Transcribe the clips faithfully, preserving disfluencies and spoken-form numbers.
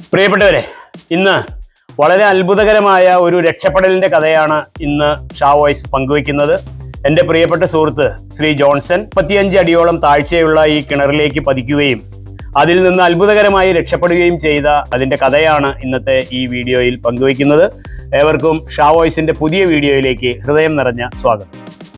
പ്രിയപ്പെട്ടവരെ, ഇന്ന് വളരെ അത്ഭുതകരമായ ഒരു രക്ഷപ്പെടലിന്റെ കഥയാണ് ഇന്ന് ഷാ വോയ്സ് പങ്കുവയ്ക്കുന്നത്. എൻ്റെ പ്രിയപ്പെട്ട സുഹൃത്ത് ശ്രീ ജോൺസൺ മുപ്പത്തിയഞ്ച് അടിയോളം താഴ്ചയുള്ള ഈ കിണറിലേക്ക് പതിക്കുകയും അതിൽ നിന്ന് അത്ഭുതകരമായി രക്ഷപ്പെടുകയും ചെയ്ത അതിൻ്റെ കഥയാണ് ഇന്നത്തെ ഈ വീഡിയോയിൽ പങ്കുവയ്ക്കുന്നത്. ഏവർക്കും ഷാ വോയ്സിന്റെ പുതിയ വീഡിയോയിലേക്ക് ഹൃദയം നിറഞ്ഞ സ്വാഗതം.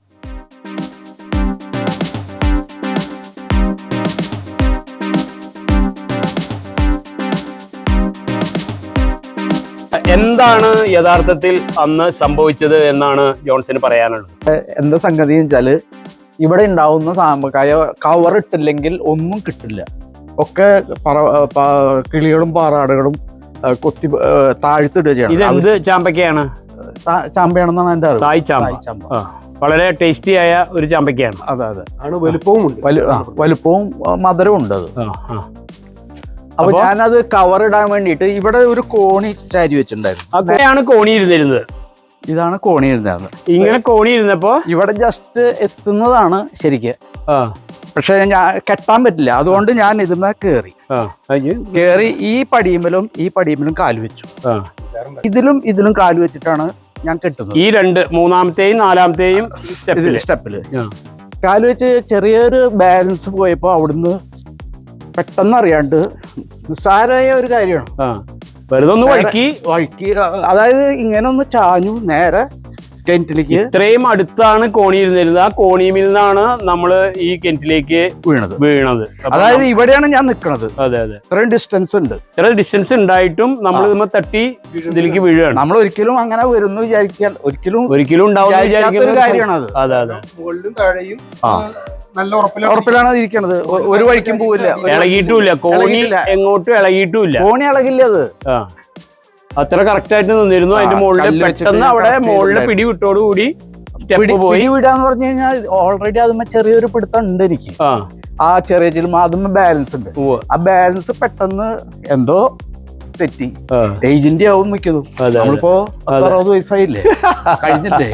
എന്താണ് യഥാർത്ഥത്തിൽ അന്ന് സംഭവിച്ചത് എന്നാണ് ജോൺസന് പറയാനുള്ളത്? എന്താ സംഗതി വെച്ചാല്, ഇവിടെ ഉണ്ടാവുന്ന സാമ്പക്കായ കവർ ഇട്ടില്ലെങ്കിൽ ഒന്നും കിട്ടില്ല. ഒക്കെ പറ കിളികളും പാറാടുകളും കൊത്തി താഴ്ത്തിടുക ചെയ്യണം. ഇതെന്ത് ചാമ്പക്കയാണ്? ചാമ്പയാണെന്നാണ് എൻ്റെ അറിവ്. തായ് ചാമ്പ. വളരെ ടേസ്റ്റി ആയ ഒരു ചാമ്പക്കയാണ്. അതെ അതെ ആണ്. വലുപ്പവും വലുപ്പവും മധുരവും ഉണ്ട് അത്. അപ്പൊ ഞാനത് കവർ ഇടാൻ വേണ്ടിയിട്ട് ഇവിടെ ഒരു കോണി ചാരി വെച്ചിട്ടുണ്ടായിരുന്നു. അതെയാണ് കോണി ഇരുന്നിരുന്നത്. ഇതാണ് കോണി ഇരുന്നത്. ഇങ്ങനെ കോണി ഇരുന്നപ്പോ ഇവിടെ ജസ്റ്റ് എത്തുന്നതാണ് ശരിക്ക്. പക്ഷെ ഞാൻ കെട്ടാൻ പറ്റില്ല. അതുകൊണ്ട് ഞാൻ ഇതിന്മേൽ കേറി കേറി ഈ പടിയുമ്പലും ഈ പടിയുമ്പലും കാല് വെച്ചു. ഇതിലും ഇതിലും കാല് വെച്ചിട്ടാണ് ഞാൻ കെട്ടുന്നത്. ഈ രണ്ട് മൂന്നാമത്തെയും നാലാമത്തെയും സ്റ്റെപ്പില് സ്റ്റെപ്പില് കാല് വെച്ച് ചെറിയൊരു ബാലൻസ് പോയപ്പോ അവിടുന്ന് പെട്ടെന്ന് അറിയാണ്ട് നിസ്സാരമായ ഒരു കാര്യമാണ്. വെറുതെ ഒന്ന് വഴുക്കി വഴുക്കി അതായത് ഇങ്ങനെ ഒന്ന് ചാഞ്ഞു നേരെ കിണറ്റിലേക്ക്. ഇത്രയും അടുത്താണ് കോണി ഇരുന്നിരുന്നത്. ആ കോണിയിൽ നിന്നാണ് നമ്മള് ഈ കിണറ്റിലേക്ക് വീണത് വീണത് അതായത് ഇവിടെയാണ് ഞാൻ നിൽക്കുന്നത്. അതെ അതെ ഇത്രയും ഡിസ്റ്റൻസ് ഉണ്ട്. ഇത്ര ഡിസ്റ്റൻസ് ഉണ്ടായിട്ടും നമ്മൾ ഇതുമ്മ തട്ടി ഇതിലേക്ക് വീഴുകയാണ്. നമ്മൾ ഒരിക്കലും അങ്ങനെ വരുന്നു വിചാരിക്കാൻ ഒരിക്കലും ഒരിക്കലും ഉണ്ടാവുന്ന വിചാരിക്കുന്ന ഒരു കാര്യമാണ് അത്. അതെ അതെ. മുകളിലും താഴെയും നല്ല ഉറപ്പിലാണ് ഇരിക്കണത്. ഒരു വഴിക്കും പോവില്ല, ഇളകിയിട്ടുമില്ല. കോണി എങ്ങോട്ടും ഇളകിയിട്ടുമില്ല. കോണി ഇളകില്ല. അത് അത്ര കറക്റ്റ് ആയിട്ട് നിന്നിരുന്നു. അതിന്റെ മുകളിൽ പെട്ടെന്ന് അവിടെ മുകളിലെ പിടി വിട്ടോടുകൂടി സ്റ്റെപ്പ് പോയി. വിടാന്ന് പറഞ്ഞു കഴിഞ്ഞാൽ ഓൾറെഡി അതുമ്മ ചെറിയൊരു പിടുത്തം ഉണ്ട് എനിക്ക്. ആ ചെറിയ ചില അതുമ്മ ബാലൻസ് ഉണ്ട്. ആ ബാലൻസ് പെട്ടെന്ന് എന്തോ തെറ്റി ഏജന്റ് ആവും മിക്കതും. നമ്മളിപ്പോ അറുപത് വയസ്സായില്ലേ, കഴിഞ്ഞില്ലേ.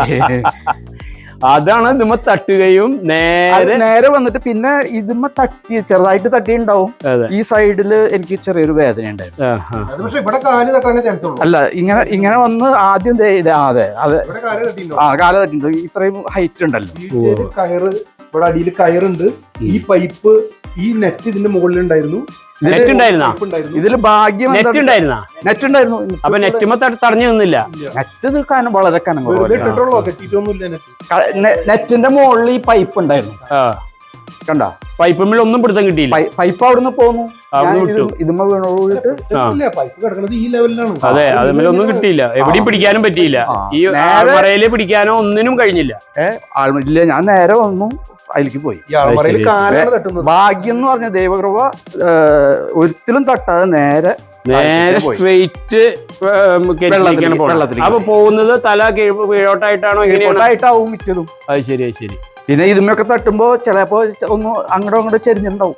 അതാണ് ഇതുമ്മ തട്ടുകയും നേരെ നേരെ വന്നിട്ട് പിന്നെ ഇതുമ്മ തട്ടി ചെറുതായിട്ട് തട്ടിയുണ്ടാവും. ഈ സൈഡില് എനിക്ക് ചെറിയൊരു വേദന ഉണ്ടായിരുന്നു. അല്ല ഇങ്ങനെ ഇങ്ങനെ വന്ന് ആദ്യം അതെ അതെ ആ കാല തട്ടിണ്ട്. ഇത്രയും ഹൈറ്റ് ഉണ്ടല്ലോ. കയറ് ഇവിടെ അടിയിൽ കയറുണ്ട്. ഈ പൈപ്പ് ഈ നെറ്റ് ഇതിന്റെ മുകളിൽ ഉണ്ടായിരുന്നു. നെറ്റ് ഉണ്ടായിരുന്ന ഇതില് ഭാഗ്യം നെറ്റ് ഉണ്ടായിരുന്ന നെറ്റ് ഉണ്ടായിരുന്നു. അപ്പൊ നെറ്റുമ്പോ തടഞ്ഞു നിന്നില്ല. നെറ്റ് കനം വളരെ കനം. കെട്ടിട്ടൊന്നുമില്ല. നെറ്റിന്റെ മുകളിൽ ഈ പൈപ്പ് ഉണ്ടായിരുന്നു. കണ്ട പൈപ്പിൽ ഒന്നും പിടുത്തം കിട്ടിയില്ല. പൈപ്പ് അവിടുന്ന് പോന്നു. ഇതുമ്മ വീണോട്ട് പൈപ്പ് കിടക്കുന്നത് ഈ ലെവലിലാണ്. അതെ, അതുമ്മേൽ ഒന്നും കിട്ടിയില്ല. എവിടെയും പിടിക്കാനും പറ്റിയില്ല. ഈ മറയില് പിടിക്കാനോ ഒന്നിനും കഴിഞ്ഞില്ല. ഏഹ് ഇല്ല, ഞാൻ നേരെ വന്നു അതിലേക്ക് പോയി. ഭാഗ്യം എന്ന് പറഞ്ഞ ദൈവകൃപ ഒരിക്കലും തട്ടാതെ നേരെ നേരെ സ്ട്രെയിറ്റ് വെള്ളത്തിലേക്ക്. അപ്പൊ പോകുന്നത് തല കീഴോട്ടായിട്ടാണോ കീഴോട്ടായിട്ടാവും മിക്കതും. അത് ശരി അത് ശരി. പിന്നെ ഇതുമൊക്കെ തട്ടുമ്പോ ചിലപ്പോ ഒന്ന് അങ്ങോട്ടും അങ്ങോട്ട് ചെരിഞ്ഞിട്ടുണ്ടാവും.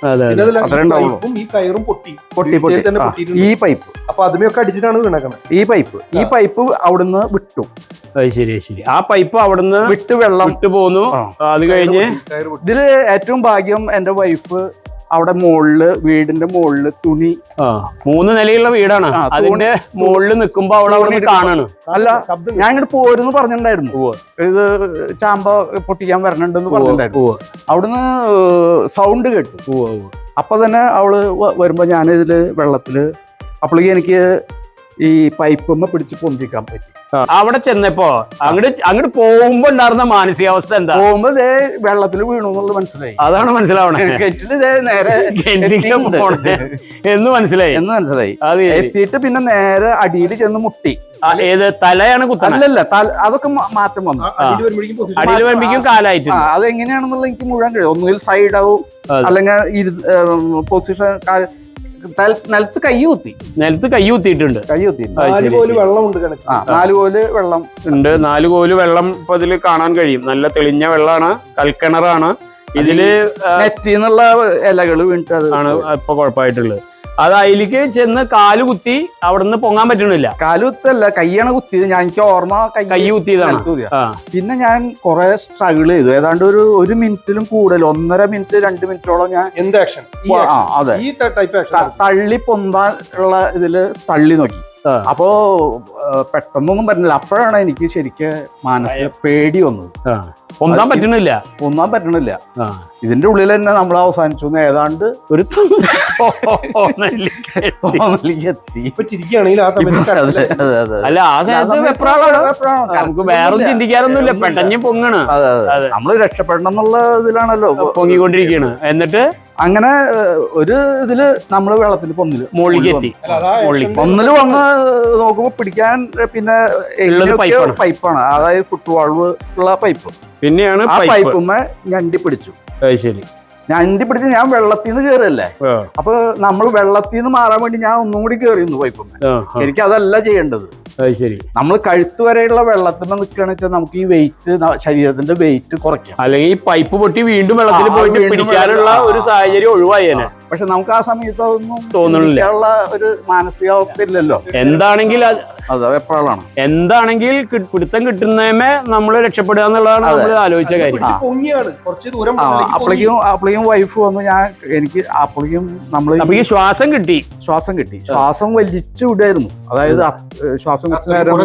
ഈ കയറും പൊട്ടി പൊട്ടി പൊട്ടി ഈ പൈപ്പ് അപ്പൊ അതിമൊക്കെ അടിച്ചിട്ടാണ് വീണേക്കണത്. ഈ പൈപ്പ് ഈ പൈപ്പ് അവിടുന്ന് വിട്ടു. അത് ശരി ശരി. ആ പൈപ്പ് അവിടുന്ന് വിട്ട് വെള്ളം വിട്ടു പോന്നു. അത് കഴിഞ്ഞ് ഇതില് ഏറ്റവും ഭാഗ്യം എന്റെ വൈഫ് അവിടെ മുകളില് വീടിന്റെ മുകളില് തുണി. മൂന്ന് നിലയുള്ള വീടാണ്. അതിന്റെ മുകളിൽ നിൽക്കുമ്പോ അവിടെ അവിടെ കാണാണ്. അല്ല, ഞാൻ ഇങ്ങോട്ട് പോരെന്ന് പറഞ്ഞിട്ടുണ്ടായിരുന്നു. ഇത് ചാമ്പ പൊട്ടിക്കാൻ വരണുണ്ടെന്ന് പറഞ്ഞിട്ടുണ്ടായിരുന്നു. അവിടുന്ന് സൗണ്ട് കേട്ടു. അപ്പൊ തന്നെ അവള് വരുമ്പോ ഞാനിതില് വെള്ളത്തില് അപ്പോഴേക്ക് എനിക്ക് ഈ പൈപ്പുമ്മ പിടിച്ച് പൊന്തിക്കാൻ പറ്റി. അവിടെ ചെന്നപ്പോ അങ്ങോട്ട് അങ്ങോട്ട് പോകുമ്പോ ഉണ്ടായിരുന്ന മാനസികാവസ്ഥ എന്താ? പോകുമ്പോ ഇതേ വെള്ളത്തിൽ വീണു എന്നുള്ളത് മനസ്സിലായി. അതാണ് മനസ്സിലാവണേ. കിണറ്റില് നേരെ എന്ന് മനസ്സിലായി എന്ന് മനസ്സിലായി. അത് എത്തിയിട്ട് പിന്നെ നേരെ അടിയിൽ ചെന്ന് മുട്ടി. ഏത് തലയാണ് കുത്തല്ല? അതൊക്കെ മാറ്റം വന്നു. അടിയിൽ വരുമ്പോഴേക്കും കാലായിട്ട്. അതെങ്ങനെയാണെന്നുള്ള എനിക്ക് മുഴുവൻ കഴിയും. ഒന്നുകിൽ സൈഡാവും അല്ലെങ്കിൽ പൊസിഷൻ നിലത്ത് കൈ കുത്തി നിലത്ത് കൈ കുത്തിയിട്ടുണ്ട്. കൈ കുത്തി നാല് കോല് വെള്ളമുണ്ട്. നാല് കോല് വെള്ളം ഉണ്ട്. നാല് കോല് വെള്ളം ഇപ്പൊ ഇതില് കാണാൻ കഴിയും. നല്ല തെളിഞ്ഞ വെള്ളമാണ്. കൽക്കിണറാണ്. ഇതില് നെറ്റിന്നുള്ള ഇലകൾ വീണിട്ട് ആണ് ഇപ്പൊ കുഴപ്പമായിട്ടുള്ളത്. അത് അതിലേക്ക് ചെന്ന് കാല് കുത്തി അവിടുന്ന് പൊങ്ങാൻ പറ്റണില്ല. കാലുത്തല്ല, കയ്യാണ് കുത്തിയത്. ഞാൻ എനിക്ക് ഓർമ്മ കൈ കുത്തിയതാണ്. കുത്തിയതാ. പിന്നെ ഞാൻ കുറെ സ്ട്രഗിൾ ചെയ്തു. ഏതാണ്ട് ഒരു ഒരു മിനിറ്റിലും കൂടുതൽ, ഒന്നര മിനിറ്റ് രണ്ട് മിനിറ്റോളം ഞാൻ എന്ത് ആക്ഷൻ? അതെ, ഈ ടൈപ്പ് ആക്ഷൻ തള്ളി പൊന്താൻ ഉള്ള ഇതില് തള്ളി നോക്കി. അപ്പോ പെട്ടെന്നൊന്നും പറ്റുന്നില്ല. അപ്പോഴാണ് എനിക്ക് ശരിക്കും മനസ്സിൽ പേടി വന്നത്. പൊന്താൻ പറ്റണില്ല പൊന്താൻ പറ്റണില്ല ഇതിന്റെ ഉള്ളിൽ തന്നെ നമ്മൾ അവസാനിച്ചു. ഏതാണ്ട് ഒരു എത്തി. ഇപ്പൊ ചിരിക്കുകയാണെങ്കിൽ ആ സമയത്ത് അല്ല, ആ സമയത്ത് നമുക്ക് വേറെ ചിന്തിക്കാറൊന്നുമില്ല, പെട്ടെന്ന് പൊങ്ങണ്. നമ്മള് രക്ഷപ്പെടണം എന്നുള്ള ഇതിലാണല്ലോ പൊങ്ങിക്കൊണ്ടിരിക്കുകയാണ്. എന്നിട്ട് അങ്ങനെ ഒരു ഇതില് നമ്മള് വെള്ളത്തിൽ പൊന്നില് മുകളിലേക്ക് എത്തി. പൊന്നില് വന്ന് നോക്കുമ്പോ പിടിക്കാൻ പിന്നെ പൈപ്പാണ്, അതായത് ഫുട് വാൾവ് ഉള്ള പൈപ്പ്. പിന്നെയാണ് ആ പൈപ്പുമ്മ ഞണ്ടി പിടിച്ചു. ശരി, ഞണ്ടി പിടിച്ച് ഞാൻ വെള്ളത്തിൽ നിന്ന് കയറല്ലേ. അപ്പൊ നമ്മൾ വെള്ളത്തിൽ നിന്ന് മാറാൻ വേണ്ടി ഞാൻ ഒന്നും കൂടി കയറിയിരുന്നു പൈപ്പുമ്മ. എനിക്ക് അതല്ല ചെയ്യേണ്ടത്. ശരി, നമ്മൾ കഴുത്ത് വരെയുള്ള വെള്ളത്തിൽ നിൽക്കുകയാണെന്ന് വെച്ചാൽ നമുക്ക് ഈ വെയിറ്റ്, ശരീരത്തിന്റെ വെയിറ്റ് കുറയ്ക്കാം. അല്ലെങ്കിൽ ഈ പൈപ്പ് പൊട്ടി വീണ്ടും വെള്ളത്തിൽ പോയിട്ട് പിടിക്കാനുള്ള ഒരു സാഹചര്യം ഒഴിവായേനെ. പക്ഷെ നമുക്ക് ആ സമയത്ത് അതൊന്നും തോന്നുന്നില്ല, ഒരു മാനസികാവസ്ഥ ഇല്ലല്ലോ. എന്താണെങ്കിൽ അതെ, എപ്പോഴാണ് എന്താണെങ്കിൽ പിടുത്തം കിട്ടുന്നതേ നമ്മള് രക്ഷപ്പെടുക എന്നുള്ളതാണ് നമ്മൾ ആലോചിച്ച കാര്യം. അപ്പോഴേക്കും അപ്പോഴേക്കും വൈഫ് വന്നു. ഞാൻ എനിക്ക് അപ്പോഴേക്കും നമ്മൾ അപ്പൊ ഈ ശ്വാസം കിട്ടി ശ്വാസം കിട്ടി ശ്വാസം വലിച്ചു വിടായിരുന്നു. അതായത് ശ്വാസം നേരം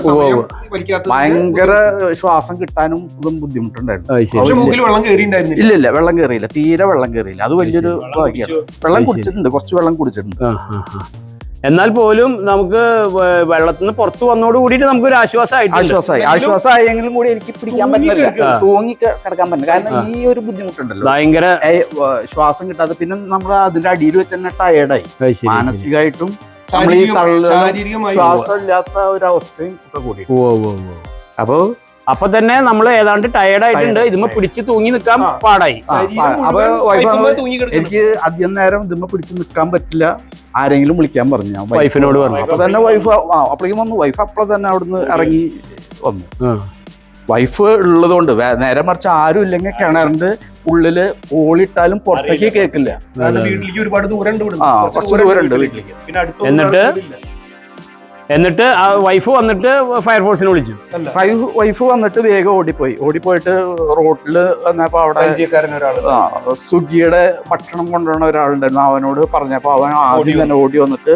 ഭയങ്കര ശ്വാസം കിട്ടാനും ഇതും ബുദ്ധിമുട്ടുണ്ടായിരുന്നു. ഇല്ല ഇല്ല വെള്ളം കയറിയില്ല, തീരെ വെള്ളം കയറിയില്ല. അത് വലിയൊരു വെള്ളം കുടിച്ചിട്ടുണ്ട്, കുറച്ച് വെള്ളം കുടിച്ചിട്ടുണ്ട്. എന്നാൽ പോലും നമുക്ക് വെള്ളത്തിൽ നിന്ന് പുറത്തു വന്നോട് കൂടിയിട്ട് നമുക്കൊരു ആശ്വാസമായി ആശ്വാസമായി ആശ്വാസമായെങ്കിലും കൂടി എനിക്ക് പിടിക്കാൻ പറ്റില്ല, തൂങ്ങി കിടക്കാൻ പറ്റില്ല. കാരണം ഈ ഒരു ബുദ്ധിമുട്ടുണ്ടല്ലോ, ഭയങ്കര ശ്വാസം കിട്ടാതെ. പിന്നെ നമ്മൾ അതിന്റെ അടിയിൽ വെച്ച് തന്നെ ടയേർഡായി, മാനസികമായിട്ടും നമ്മൾ ഈ ശ്വാസം ഇല്ലാത്ത ഒരു അവസ്ഥയും ഒക്കെ കൂടി. അപ്പൊ അപ്പൊ തന്നെ നമ്മൾ ഏതാണ്ട് ടയേർഡ് ആയിട്ടുണ്ട്, ഇതുമ്മ പിടിച്ച് തൂങ്ങി നിൽക്കാൻ പാടായി. അപ്പൊ എനിക്ക് അധികം നേരം ഇതുമ്മ പിടിച്ച് നിൽക്കാൻ പറ്റില്ല, ആരെങ്കിലും വിളിക്കാൻ പറഞ്ഞു. ഞാൻ വൈഫിനോട് പറഞ്ഞു. അപ്പൊ തന്നെ വൈഫ് അപ്പോഴേക്കും വന്നു. വൈഫ് അപ്പോൾ തന്നെ അവിടുന്ന് ഇറങ്ങി വന്നു. വൈഫ് ഉള്ളതുകൊണ്ട് നേരെ മറിച്ച് ആരും ഇല്ലെങ്കിൽ കിണറിന്റെ ഉള്ളില് ഓളിട്ടാലും പുറത്തേക്ക് കേൾക്കില്ല. വീട്ടിലേക്ക് ഒരുപാട് ദൂരം കുറച്ച് ദൂരമുണ്ട് വീട്ടിലേക്ക്. എന്നിട്ട് എന്നിട്ട് ആ വൈഫ് വന്നിട്ട് ഫയർഫോഴ്സിനെ വിളിച്ചു. വൈഫ് വന്നിട്ട് വേഗം ഓടിപ്പോയി. ഓടിപ്പോയിട്ട് റോഡില് വന്നപ്പോ അവിടെ സ്വിഗ്ഗിയുടെ ഭക്ഷണം കൊണ്ടുവരുന്ന ഒരാളുണ്ടായിരുന്നു. അവനോട് പറഞ്ഞപ്പോ അവൻ ആദ്യം തന്നെ ഓടി വന്നിട്ട്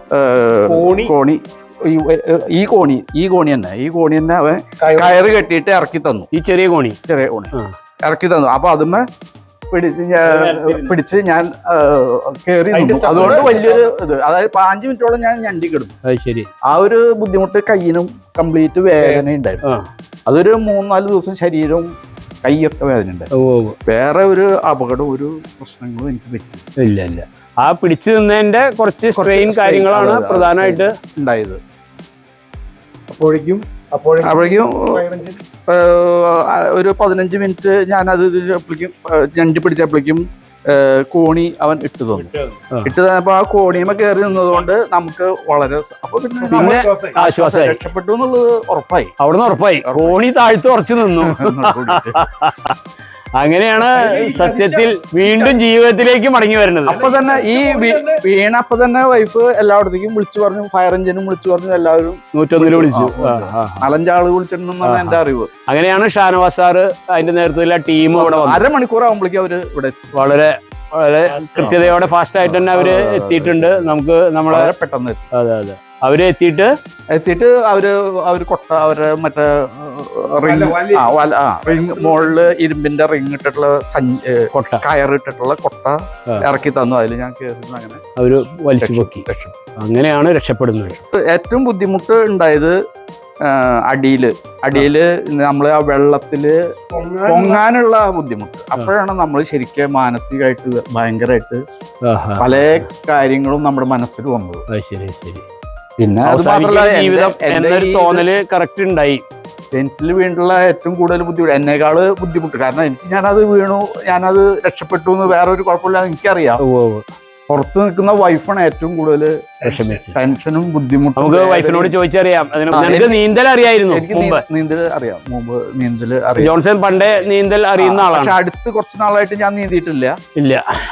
കോണി ഈ കോണി ഈ കോണി തന്നെ ഈ കോണി തന്നെ അവൻ കയറ് കെട്ടിയിട്ട് ഇറക്കി തന്നു. ഈ ചെറിയ കോണി ചെറിയ കോണി ഇറക്കി തന്നു. അപ്പൊ അതുമ്മ പിടിച്ച് പിടിച്ച് ഞാൻ കയറി നിന്നു. അതുകൊണ്ട് വലിയൊരു ഇത്, അതായത് അഞ്ചു മിനിറ്റോളം ഞാൻ ഞണ്ടി കിടന്നു. ശരി, ആ ഒരു ബുദ്ധിമുട്ട് കയ്യിനും കംപ്ലീറ്റ് വേദന ഉണ്ടായിരുന്നു. അതൊരു മൂന്നാല് ദിവസം ശരീരവും കൈയൊക്കെ വേദന ഉണ്ടായിരുന്നു. വേറെ ഒരു അപകടം ഒരു പ്രശ്നങ്ങളും എനിക്ക് പറ്റി ഇല്ല ഇല്ല ആ പിടിച്ചു നിന്നതിന്റെ കുറച്ച് സ്ട്രെയിൻ കാര്യങ്ങളാണ് പ്രധാനമായിട്ട് ഉണ്ടായത്. അപ്പോഴേക്കും അപ്പോഴേക്കും ഒരു പതിനഞ്ച് മിനിറ്റ് ഞാനത് ഞണ്ടി പിടിച്ചപ്പോഴേക്കും കോണി അവൻ ഇട്ട് തന്നു. ഇട്ട് തന്നപ്പോ ആ കോണിയുമ കയറി നിന്നതുകൊണ്ട് നമുക്ക് വളരെ അപ്പൊ പിന്നെ ആശ്വാസമായി, രക്ഷപ്പെട്ടു എന്നുള്ളത് ഉറപ്പായി. അവിടുന്ന് ഉറപ്പായി, കോണി താഴ്ത്ത് ഉറച്ചു നിന്നു. അങ്ങനെയാണ് സത്യത്തിൽ വീണ്ടും ജീവിതത്തിലേക്ക് മടങ്ങി വരുന്നത്. അപ്പൊ തന്നെ ഈ വീണ അപ്പൊ തന്നെ വൈഫ് എല്ലായിടത്തേക്കും വിളിച്ചു പറഞ്ഞു, ഫയർ എഞ്ചിനും വിളിച്ചു പറഞ്ഞു, എല്ലാവരും നൂറ്റൊന്നില് വിളിച്ചു. നാലഞ്ചാള് വിളിച്ചിട്ടുണ്ടെന്നാണ് എന്റെ അറിവ്. അങ്ങനെയാണ് ഷാനവാസ് സാറ് അതിന്റെ നേതൃത്വത്തിലുള്ള ടീം ഇവിടെ അരമണിക്കൂർ ആകുമ്പോഴേക്കും അവര് ഇവിടെ വളരെ വളരെ കൃത്യതയോടെ ഫാസ്റ്റ് ആയിട്ട് തന്നെ അവര് എത്തിയിട്ടുണ്ട്. നമുക്ക് നമ്മളെ പെട്ടെന്ന് അതെ അതെ അവര് എത്തിയിട്ട് എത്തിയിട്ട് അവര് അവര് കൊട്ട അവര് മറ്റേ റിങ് റിങ് മുകളില് ഇരുമ്പിന്റെ റിങ് ഇട്ടിട്ടുള്ള കൊട്ട കയറിട്ടിട്ടുള്ള കൊട്ട ഇറക്കി തന്നു. അതിൽ ഞാൻ കയറുന്നു. അങ്ങനെ അവര് വലിച്ചു പൊക്കി. അങ്ങനെയാണ് രക്ഷപ്പെടുന്നത്. ഏറ്റവും ബുദ്ധിമുട്ട് ഉണ്ടായത് അടിയില് അടിയില് നമ്മൾ ആ വെള്ളത്തില് പൊങ്ങാനുള്ള ബുദ്ധിമുട്ട്. അപ്പോഴാണ് നമ്മൾ ശരിക്കും മാനസികമായിട്ട് ഭയങ്കരമായിട്ട് പല കാര്യങ്ങളും നമ്മുടെ മനസ്സിൽ വന്നത്. ശരി ശരി പിന്നെ ജീവിതം എന്നൊരു തോന്നല് കറക്റ്റ് ഉണ്ടായി. കിണറ്റിൽ വീണ്ടുള്ള ഏറ്റവും കൂടുതൽ ബുദ്ധിമുട്ട് എന്നേക്കാള് ബുദ്ധിമുട്ട്. കാരണം എനിക്ക് ഞാനത് വീണു, ഞാനത് രക്ഷപ്പെട്ടു എന്ന് വേറൊരു കുഴപ്പമില്ലാതെ എനിക്കറിയാം. പുറത്ത് നിൽക്കുന്ന വൈഫാണ് ഏറ്റവും കൂടുതൽ ടെൻഷനും ബുദ്ധിമുട്ടും. നമുക്ക് വൈഫിനോട് ചോദിച്ചറിയാം. നീന്തൽ അറിയായിരുന്നു? എനിക്ക് നീന്തൽ അറിയാം, മുമ്പ് നീന്തൽ അറിയാം. ജോൺസൺ പണ്ടേ നീന്തൽ അറിയുന്ന ആളാണ്. പക്ഷെ അടുത്ത് കുറച്ച് നാളായിട്ട് ഞാൻ നീന്തിയിട്ടില്ല. ഇല്ല.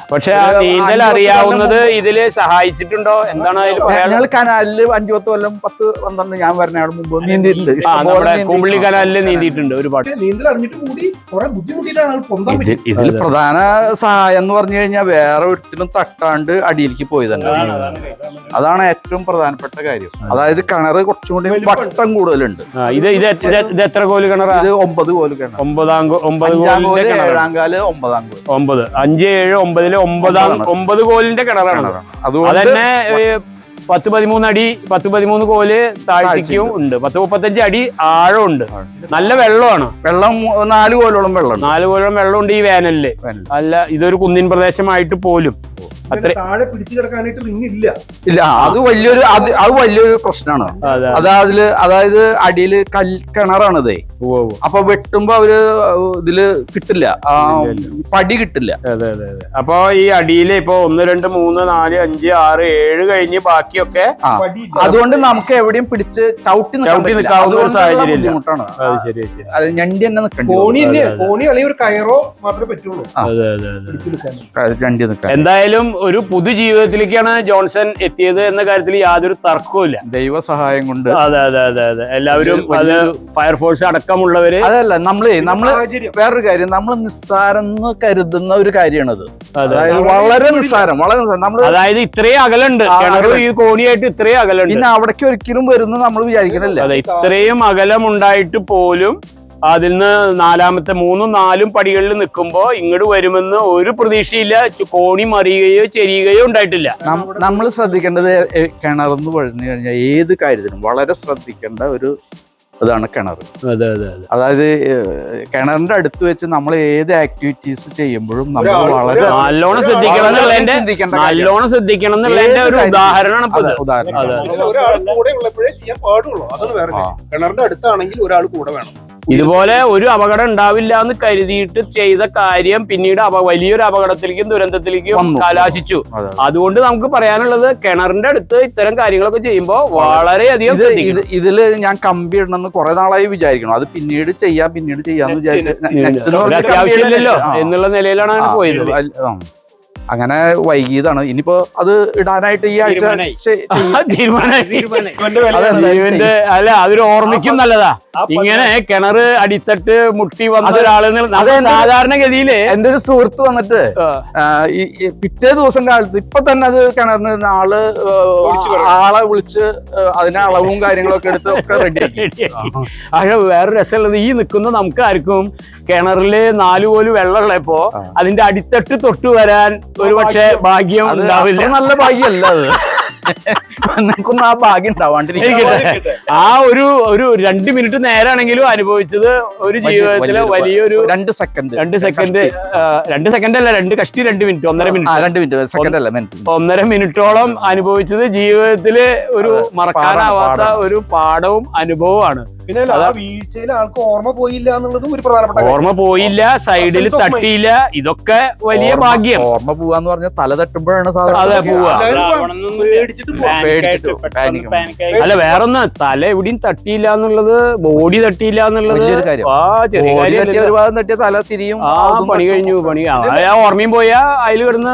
പക്ഷെ ആ നീന്തൽ അറിയാവുന്നത് ഇതില് സഹായിച്ചിട്ടുണ്ടോ? എന്താണ് അതിൽ പറയാനുള്ളത്? ഞങ്ങൾ കനാലില് അഞ്ചു പത്ത് കൊല്ലം പത്ത് പന്ത്രണ്ട് ഞാൻ പറഞ്ഞ മുമ്പ് നീന്തിയിട്ടുണ്ട്. ആ നമ്മുടെ കുമ്പിളി കനാലില് നീന്തിയിട്ടുണ്ട് ഒരുപാട്. നീന്തൽ അറിഞ്ഞിട്ട് കൂടി കുറെ ബുദ്ധിമുട്ടിയിട്ടാണ് ആൾ പൊന്താൻ പറ്റും. ഇതിൽ പ്രധാന സഹായം എന്ന് പറഞ്ഞു കഴിഞ്ഞാൽ വേറെ ഒരിക്കലും തട്ടാണ്ട് അടിയിലേക്ക് പോയി തന്നെ. അതാണ് ഏറ്റവും പ്രധാനപ്പെട്ട കാര്യം. അതായത് കിണറ് കുറച്ചും കൂടി വട്ടം കൂടുതലുണ്ട്. ഇത് ഇത് ഇത് എത്ര കോല് കിണറാ? ഇത് ഒമ്പത് കോല് കിണർ. ഒമ്പതാം ഒമ്പത് കോലിന്റെ ഏഴാം കാല് ഒമ്പതാം കോല്. ഒമ്പത് അഞ്ച് ഏഴ് ഒമ്പതില് ഒമ്പതാം ഒമ്പത് കോലിന്റെ കിണറാണ്. അതന്നെ പത്ത് പതിമൂന്ന് അടി പത്ത് പതിമൂന്ന് കോല് താഴ്ത്തിക്കും ഉണ്ട്. പത്ത് മുപ്പത്തഞ്ച് അടി ആഴം ഉണ്ട്. നല്ല വെള്ളമാണ്. വെള്ളം നാല് കോലോളം വെള്ളം നാല് കോലോളം വെള്ളമുണ്ട് ഈ വേനലില്. അല്ല ഇതൊരു കുന്നിൻ പ്രദേശമായിട്ട് പോലും അത്ര താഴെ പിടിച്ചു കിടക്കാനായിട്ട് റിങ്ങില്ല. ഇല്ല, അത് വലിയൊരു അത് അത് വലിയൊരു പ്രശ്നമാണ്. അതായത് അതായത് അടിയില് കൽ കിണറാണിതേ. അപ്പൊ വെട്ടുമ്പോ അവര് ഇതില് കിട്ടില്ല, പടി കിട്ടില്ല. അതെ അതെ അതെ. അപ്പൊ ഈ അടിയില് ഇപ്പൊ ഒന്ന് രണ്ട് മൂന്ന് നാല് അഞ്ച് ആറ് ഏഴ് കഴിഞ്ഞ് ബാക്കിയൊക്കെ അതുകൊണ്ട് നമുക്ക് എവിടെയും പിടിച്ച് ചവിട്ടി ചവിട്ടി നിൽക്കാവുന്ന ഒരു സാഹചര്യം ബുദ്ധിമുട്ടാണ്. അത് ശരി ശരി. അത് ഞണ്ടി തന്നെ നിൽക്കണ്ട. കോണി കോണി അല്ലെങ്കിൽ ഒരു കയറോ മാത്രമേ പറ്റുള്ളൂ. അതെ അതെ അതെ. ഞണ്ടി നിൽക്കാൻ എന്തായാലും ഒരു പുതുജീവിതത്തിലേക്കാണ് ജോൺസൺ എത്തിയത് എന്ന കാര്യത്തിൽ യാതൊരു തർക്കവുമില്ല. ദൈവ സഹായം കൊണ്ട്. അതെ അതെ അതെ അതെ. എല്ലാവരും അത് ഫയർഫോഴ്സ് അടക്കമുള്ളവര്. അതല്ല നമ്മള് നമ്മള് വേറൊരു കാര്യം, നമ്മൾ നിസ്സാരെന്ന് കരുതുന്ന ഒരു കാര്യമാണത്. അതായത് വളരെ നിസ്സാരം, വളരെ നിസ്സാരം. നമ്മള് അതായത് ഇത്രയും അകലുണ്ട് കിണറ് ഈ കോണിയായിട്ട് ഇത്രയും അകലുണ്ട്. പിന്നെ അവിടേക്ക് ഒരിക്കലും വരുന്ന നമ്മൾ വിചാരിക്കണില്ല. അതെ, ഇത്രയും അകലം ഉണ്ടായിട്ട് പോലും അതിൽ നിന്ന് നാലാമത്തെ മൂന്നും നാലും പടികളിൽ നിൽക്കുമ്പോ ഇങ്ങോട്ട് വരുമെന്ന് ഒരു പ്രതീക്ഷയില്ല. കോണി മറിയുകയോ ചെരിയുകയോ ഉണ്ടായിട്ടില്ല. നമ്മൾ ശ്രദ്ധിക്കേണ്ടത് കിണറെന്ന് പറഞ്ഞു കഴിഞ്ഞാൽ ഏത് കാര്യത്തിനും വളരെ ശ്രദ്ധിക്കേണ്ട ഒരു ഇതാണ് കിണർ. അതെ അതെ അതെ. അതായത് കിണറിന്റെ അടുത്ത് വെച്ച് നമ്മൾ ഏത് ആക്ടിവിറ്റീസ് ചെയ്യുമ്പോഴും നമ്മൾ വളരെ നല്ലോണം ശ്രദ്ധിക്കണം എന്നുള്ളതിന്റെ നല്ലോണം ശ്രദ്ധിക്കണം എന്നുള്ളതിന്റെ ഒരു ഉദാഹരണമാണ് ഇപ്പൊ ഇത്. ഉദാഹരണം ഒരാൾ കൂടെ ഉള്ളപ്പോഴേ ചെയ്യാൻ പാടുള്ളൂ. അതാണ് വേറെ കാര്യം. കിണറിന്റെ അടുത്താണെങ്കിൽ ഒരാൾ കൂടെ വേണം. ഇതുപോലെ ഒരു അപകടം ഉണ്ടാവില്ല എന്ന് കരുതിയിട്ട് ചെയ്ത കാര്യം പിന്നീട് വലിയൊരു അപകടത്തിലേക്കും ദുരന്തത്തിലേക്കും കലാശിച്ചു. അതുകൊണ്ട് നമുക്ക് പറയാനുള്ളത് കിണറിന്റെ അടുത്ത് ഇത്തരം കാര്യങ്ങളൊക്കെ ചെയ്യുമ്പോൾ വളരെയധികം ഇതില് ഞാൻ കമ്പി ഇടണമെന്ന് കുറെ നാളായി വിചാരിക്കണം. അത് പിന്നീട് ചെയ്യാം പിന്നീട് ചെയ്യാന്ന് വിചാരിച്ചു. അത്യാവശ്യമില്ലല്ലോ എന്നുള്ള നിലയിലാണ് അങ്ങനെ പോയത്. അങ്ങനെ വൈകിയതാണ്. ഇനിയിപ്പോ അത് ഇടാനായിട്ട് ഈ ആഴ്ച അല്ല അതൊരു ഓർമ്മിക്കും നല്ലതാ. ഇങ്ങനെ കിണറ് അടിത്തട്ട് മുട്ടി വന്ന ഒരാള് സാധാരണഗതിയില് എന്റെ ഒരു സുഹൃത്ത് വന്നിട്ട് ഈ പിറ്റേ ദിവസം കാലത്ത് ഇപ്പൊ തന്നെ അത് കിണറിന് ആള് ആളെ വിളിച്ച് അതിന് അളവും കാര്യങ്ങളൊക്കെ എടുത്ത് ഒക്കെ റെഡിയാക്കി. പക്ഷെ വേറെ രസമുള്ളത് ഈ നിൽക്കുന്ന നമുക്ക് ആർക്കും കിണറില് നാലു പോലും വെള്ളമുള്ളപ്പോ അതിന്റെ അടിത്തട്ട് തൊട്ട് വരാൻ ഒരു പക്ഷേ ഭാഗ്യം ഉണ്ടാവില്ല. നല്ല ഭാഗ്യമല്ല അത്. നിനക്കൊന്നും ആ ഭാഗ്യം ഉണ്ടാവാണ്ടിരിക്കട്ടെ. ആ ഒരു ഒരു രണ്ട് മിനിറ്റ് നേരാണെങ്കിലും അനുഭവിച്ചത് ഒരു ജീവിതത്തിലെ വലിയൊരു രണ്ട് സെക്കൻഡ് രണ്ട് സെക്കൻഡ് രണ്ട് സെക്കൻഡ് അല്ല രണ്ട് കഷ്ടി രണ്ട് മിനിറ്റ് ഒന്നര മിനിറ്റ് രണ്ട് മിനിറ്റ് സെക്കൻഡ് അല്ല മിനിറ്റ് ഒന്നര മിനിറ്റോളം അനുഭവിച്ചത് ജീവിതത്തില് ഒരു മറക്കാനാവാത്ത ഒരു പാഠവും അനുഭവമാണ്. പിന്നെ വീഴ്ചയിൽ ആൾക്ക് ഓർമ്മ പോയില്ല എന്നുള്ളതും ഒരു പ്രധാനപ്പെട്ട ഓർമ്മ പോയില്ല, സൈഡിൽ തട്ടിയില്ല. ഇതൊക്കെ വലിയ ഭാഗ്യം. ഓർമ്മ പോവാന്ന് പറഞ്ഞാൽ തല തട്ടുമ്പോഴാണ് അതെ പോവാ. അല്ല വേറൊന്ന് തല എവിടെയും തട്ടിയില്ല എന്നുള്ളത്, ബോഡി തട്ടിയില്ല എന്നുള്ളത് ആ ചെറിയ കാര്യം. ഒരുപാട് തട്ടിയ തല തിരിയും. ആ പണി കഴിഞ്ഞു പണി ആ ഓർമ്മയും പോയാ അതിൽ കിടന്ന്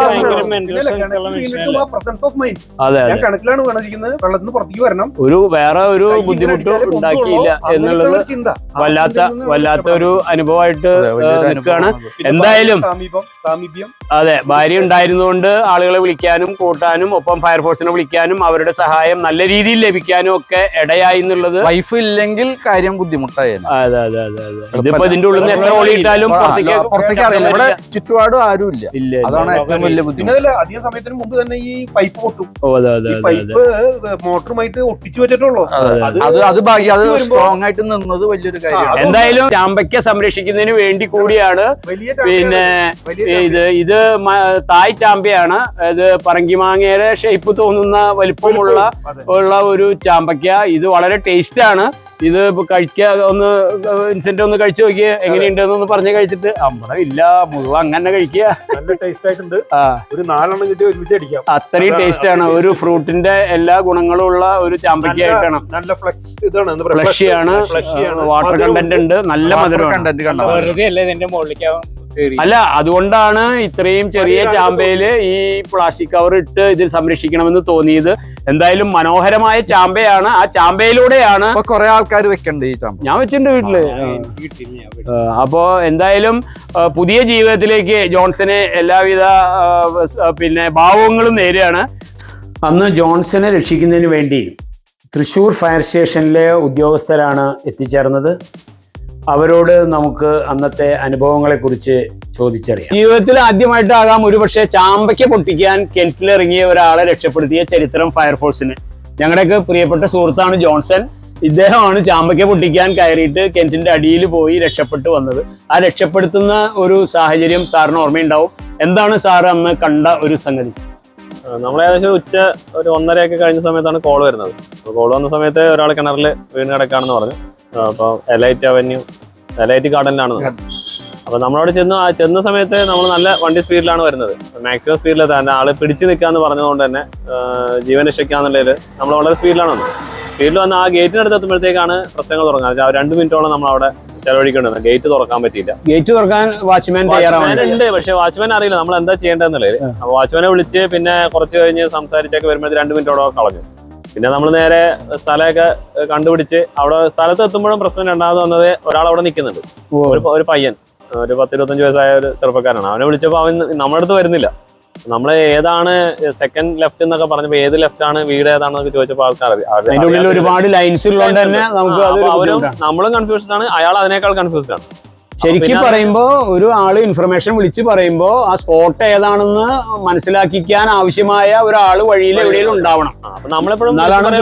അതെ കണക്കിലാണ് വീണിരിക്കുന്നത്. വെള്ളത്തിന് പുറത്തേക്ക് വരണം. ഒരു വേറെ ഒരു ബുദ്ധിമുട്ടും ഉണ്ടാക്കിയില്ല എന്നുള്ളത് വല്ലാത്ത വല്ലാത്ത ഒരു അനുഭവമായിട്ട് നിൽക്കുകയാണ്. എന്തായാലും അതെ ഭാര്യ ഉണ്ടായിരുന്നുകൊണ്ട് ആളുകളെ വിളിക്കാനും കൂട്ടാനും ഒപ്പം ഫയർഫോഴ്സിനെ വിളിക്കാനും അവരുടെ സഹായം നല്ല രീതിയിൽ ലഭിക്കാനും ഒക്കെ ഇടയായി എന്നുള്ളത്. വൈഫ് ഇല്ലെങ്കിൽ കാര്യം ബുദ്ധിമുട്ടായിരുന്നു. അതെ അതെ അതെ അതെ. ഇതിപ്പോ ഇതിന്റെ ഉള്ളിൽ നിന്ന് എത്ര ഓളിയിട്ടാലും പുറത്തേക്ക് പുറത്തേക്ക് അറിയില്ല. ഇവിടെ ചുറ്റുപാടും ആരും ഇല്ല. ഇല്ല. അതാണ് ഏറ്റവും വലിയ ബുദ്ധിമുട്ട്. അധികം സമയത്തിന് മുമ്പ് തന്നെ ഈ പൈപ്പ് പൊട്ടും. ഓ അതെ അതെ. പൈപ്പ് മോട്ടറുമായിട്ട് ഒട്ടിച്ചു വെച്ചിട്ടുള്ളൂ. അത് അത് ഭാഗ്യം. അത് സ്ട്രോങ് ആയിട്ട് നിന്നത് വലിയൊരു കാര്യമാണ്. എന്തായാലും ചാമ്പയ്ക്ക സംരക്ഷിക്കുന്നതിന് വേണ്ടി കൂടിയാണ്. പിന്നെ ഇത് ഇത് തായ് ചാമ്പയാണ്. ഇത് പറങ്കിമാങ്ങയുടെ ഷേപ്പ് തോന്നുന്ന വലിപ്പമുള്ള ഉള്ള ഒരു ചാമ്പയ്ക്ക. ഇത് വളരെ ടേസ്റ്റ് ആണ്. ഇത് കഴിക്കുക ഒന്ന് ഇൻസെന്റ് ഒന്ന് കഴിച്ചു നോക്കിയ എങ്ങനെയുണ്ടെന്ന് പറഞ്ഞ് കഴിച്ചിട്ട് അമ്പടം ഇല്ല മുഴുവൻ അങ്ങനെ കഴിക്കുക. നല്ല ടേസ്റ്റ് ആയിട്ടുണ്ട്. ഒരു നാലെണ്ണം കിട്ടി ഒരുമിച്ച് അടിക്കാം. അത്രയും ടേസ്റ്റ് ആണ്. ഒരു ഫ്രൂട്ടിന്റെ എല്ലാ ഗുണങ്ങളും ഉള്ള ഒരു ചാമ്പയ്ക്കായിട്ടാണ്. നല്ല ഫ്ലഷ് ഇതാണ്, ഫ്ലഷിയാണ്, വാട്ടർ കണ്ടന്റ് ഉണ്ട്, നല്ല മധുരം. കണ്ടന്റ് വെറുതെ അല്ലേ ഇതിന്റെ മുകളിലേക്ക് അല്ല, അതുകൊണ്ടാണ് ഇത്രയും ചെറിയ ചാമ്പയില് ഈ പ്ലാസ്റ്റിക് കവർ ഇട്ട് ഇത് സംരക്ഷിക്കണമെന്ന് തോന്നിയത്. എന്തായാലും മനോഹരമായ ചാമ്പയാണ്. ആ ചാമ്പയിലൂടെയാണ് കുറെ ആൾക്കാർ വെക്കണ്ട് ഈ ചാമ്പ. ഞാൻ വെച്ചിട്ടുണ്ട് വീട്ടില്. അപ്പോ എന്തായാലും പുതിയ ജീവിതത്തിലേക്ക് ജോൺസന് എല്ലാവിധ പിന്നെ ഭാവങ്ങളും നേരെയാണ്. അന്ന് ജോൺസനെ രക്ഷിക്കുന്നതിന് വേണ്ടി തൃശ്ശൂർ ഫയർ സ്റ്റേഷനിലെ ഉദ്യോഗസ്ഥരാണ് എത്തിച്ചേർന്നത്. അവരോട് നമുക്ക് അന്നത്തെ അനുഭവങ്ങളെക്കുറിച്ച് ചോദിച്ചറിയാം. ജീവിതത്തിൽ ആദ്യമായിട്ടാകാം ഒരുപക്ഷെ ചാമ്പയ്ക്ക് പൊട്ടിക്കാൻ കിണറ്റിലിറങ്ങിയ ഒരാളെ രക്ഷപ്പെടുത്തിയ ചരിത്രം ഫയർഫോഴ്സിന്. ഞങ്ങളുടെയൊക്കെ പ്രിയപ്പെട്ട സുഹൃത്താണ് ജോൺസൺ. ഇദ്ദേഹമാണ് ചാമ്പയ്ക്ക് പൊട്ടിക്കാൻ കയറിയിട്ട് കിണറ്റിന്റെ അടിയിൽ പോയി രക്ഷപ്പെട്ടു വന്നത്. ആ രക്ഷപ്പെടുത്തുന്ന ഒരു സാഹചര്യം സാറിന് ഓർമ്മയുണ്ടാവും. എന്താണ് സാർ അന്ന് കണ്ട ഒരു സംഗതി? നമ്മൾ ഏകദേശം ഉച്ച ഒരു ഒന്നരയൊക്കെ കഴിഞ്ഞ സമയത്താണ് കോൾ വരുന്നത്. അപ്പോൾ കോൾ വന്ന സമയത്ത് ഒരാൾ കിണറിൽ വീണ് കിടക്കാണെന്ന് പറഞ്ഞു. അപ്പോൾ എലൈറ്റ് അവന്യൂ എലൈറ്റ് ഗാർഡനിലാണ്. അപ്പോൾ നമ്മളവിടെ ചെന്ന് ചെന്ന സമയത്ത് നമ്മൾ നല്ല വണ്ടി സ്പീഡിലാണ് വരുന്നത്. മാക്സിമം സ്പീഡിൽ തന്നെ ആള് പിടിച്ചു നിൽക്കാന്ന് പറഞ്ഞതുകൊണ്ട് തന്നെ ജീവൻ രക്ഷിക്കാന്നുള്ളതിൽ നമ്മൾ വളരെ സ്പീഡിലാണ് വന്നത്. സ്പീഡിൽ വന്ന് ആ ഗേറ്റിനടുത്ത് എത്തുമ്പോഴത്തേക്കാണ് പ്രശ്നങ്ങൾ തുടങ്ങുന്നത്. ആ രണ്ട് മിനിറ്റോളം നമ്മൾ അവിടെ ചെലവഴിക്കേണ്ടത്. ഗേറ്റ് തുറക്കാൻ പറ്റിയില്ല. ഗേറ്റ് തുറക്കാൻ വാച്ച്മാൻ ഉണ്ട്, പക്ഷെ വാച്ച്മാൻ അറിയില്ല നമ്മൾ എന്താ ചെയ്യേണ്ടതെന്നുള്ളത്. അപ്പോൾ വാച്ച്മാനെ വിളിച്ച് പിന്നെ കുറച്ച് കഴിഞ്ഞ് സംസാരിച്ചൊക്കെ വരുമ്പോൾ രണ്ട് മിനിറ്റോളം കളഞ്ഞു. പിന്നെ നമ്മൾ നേരെ സ്ഥലമൊക്കെ കണ്ടുപിടിച്ച് അവിടെ സ്ഥലത്ത് എത്തുമ്പോഴും പ്രശ്നം രണ്ടാമത് വന്നത് ഒരാൾ അവിടെ നിൽക്കുന്നുണ്ട്. ഒരു ഒരു പയ്യൻ, ഒരു പത്ത് ഇരുപത്തഞ്ച് വയസ്സായ ഒരു ചെറുപ്പക്കാരാണ്. അവനെ വിളിച്ചപ്പോൾ അവൻ നമ്മുടെ അടുത്ത് വരുന്നില്ല. നമ്മൾ ഏതാണ് സെക്കൻഡ് ലെഫ്റ്റ് എന്നൊക്കെ പറഞ്ഞപ്പോ ഏത് ലെഫ്റ്റ് ആണ് വീട് ഏതാണെന്നൊക്കെ ചോദിച്ചപ്പോൾ ആൾക്കാർ ഒരുപാട് ലൈൻസ് ഉള്ളതുകൊണ്ട് തന്നെ നമുക്ക് അവരും നമ്മളും കൺഫ്യൂസ്ഡ് ആണ്, അയാൾ അതിനേക്കാൾ കൺഫ്യൂസ്ഡ് ആണ്. ശരിക്കും പറയുമ്പോ ഒരു ആള് ഇൻഫർമേഷൻ വിളിച്ച് പറയുമ്പോ ആ സ്പോട്ട് ഏതാണെന്ന് മനസ്സിലാക്കിക്കാൻ ആവശ്യമായ ഒരാള് വഴിയിൽ എവിടെയെങ്കിലും ഉണ്ടാവണം. അപ്പൊ നമ്മളെപ്പോഴും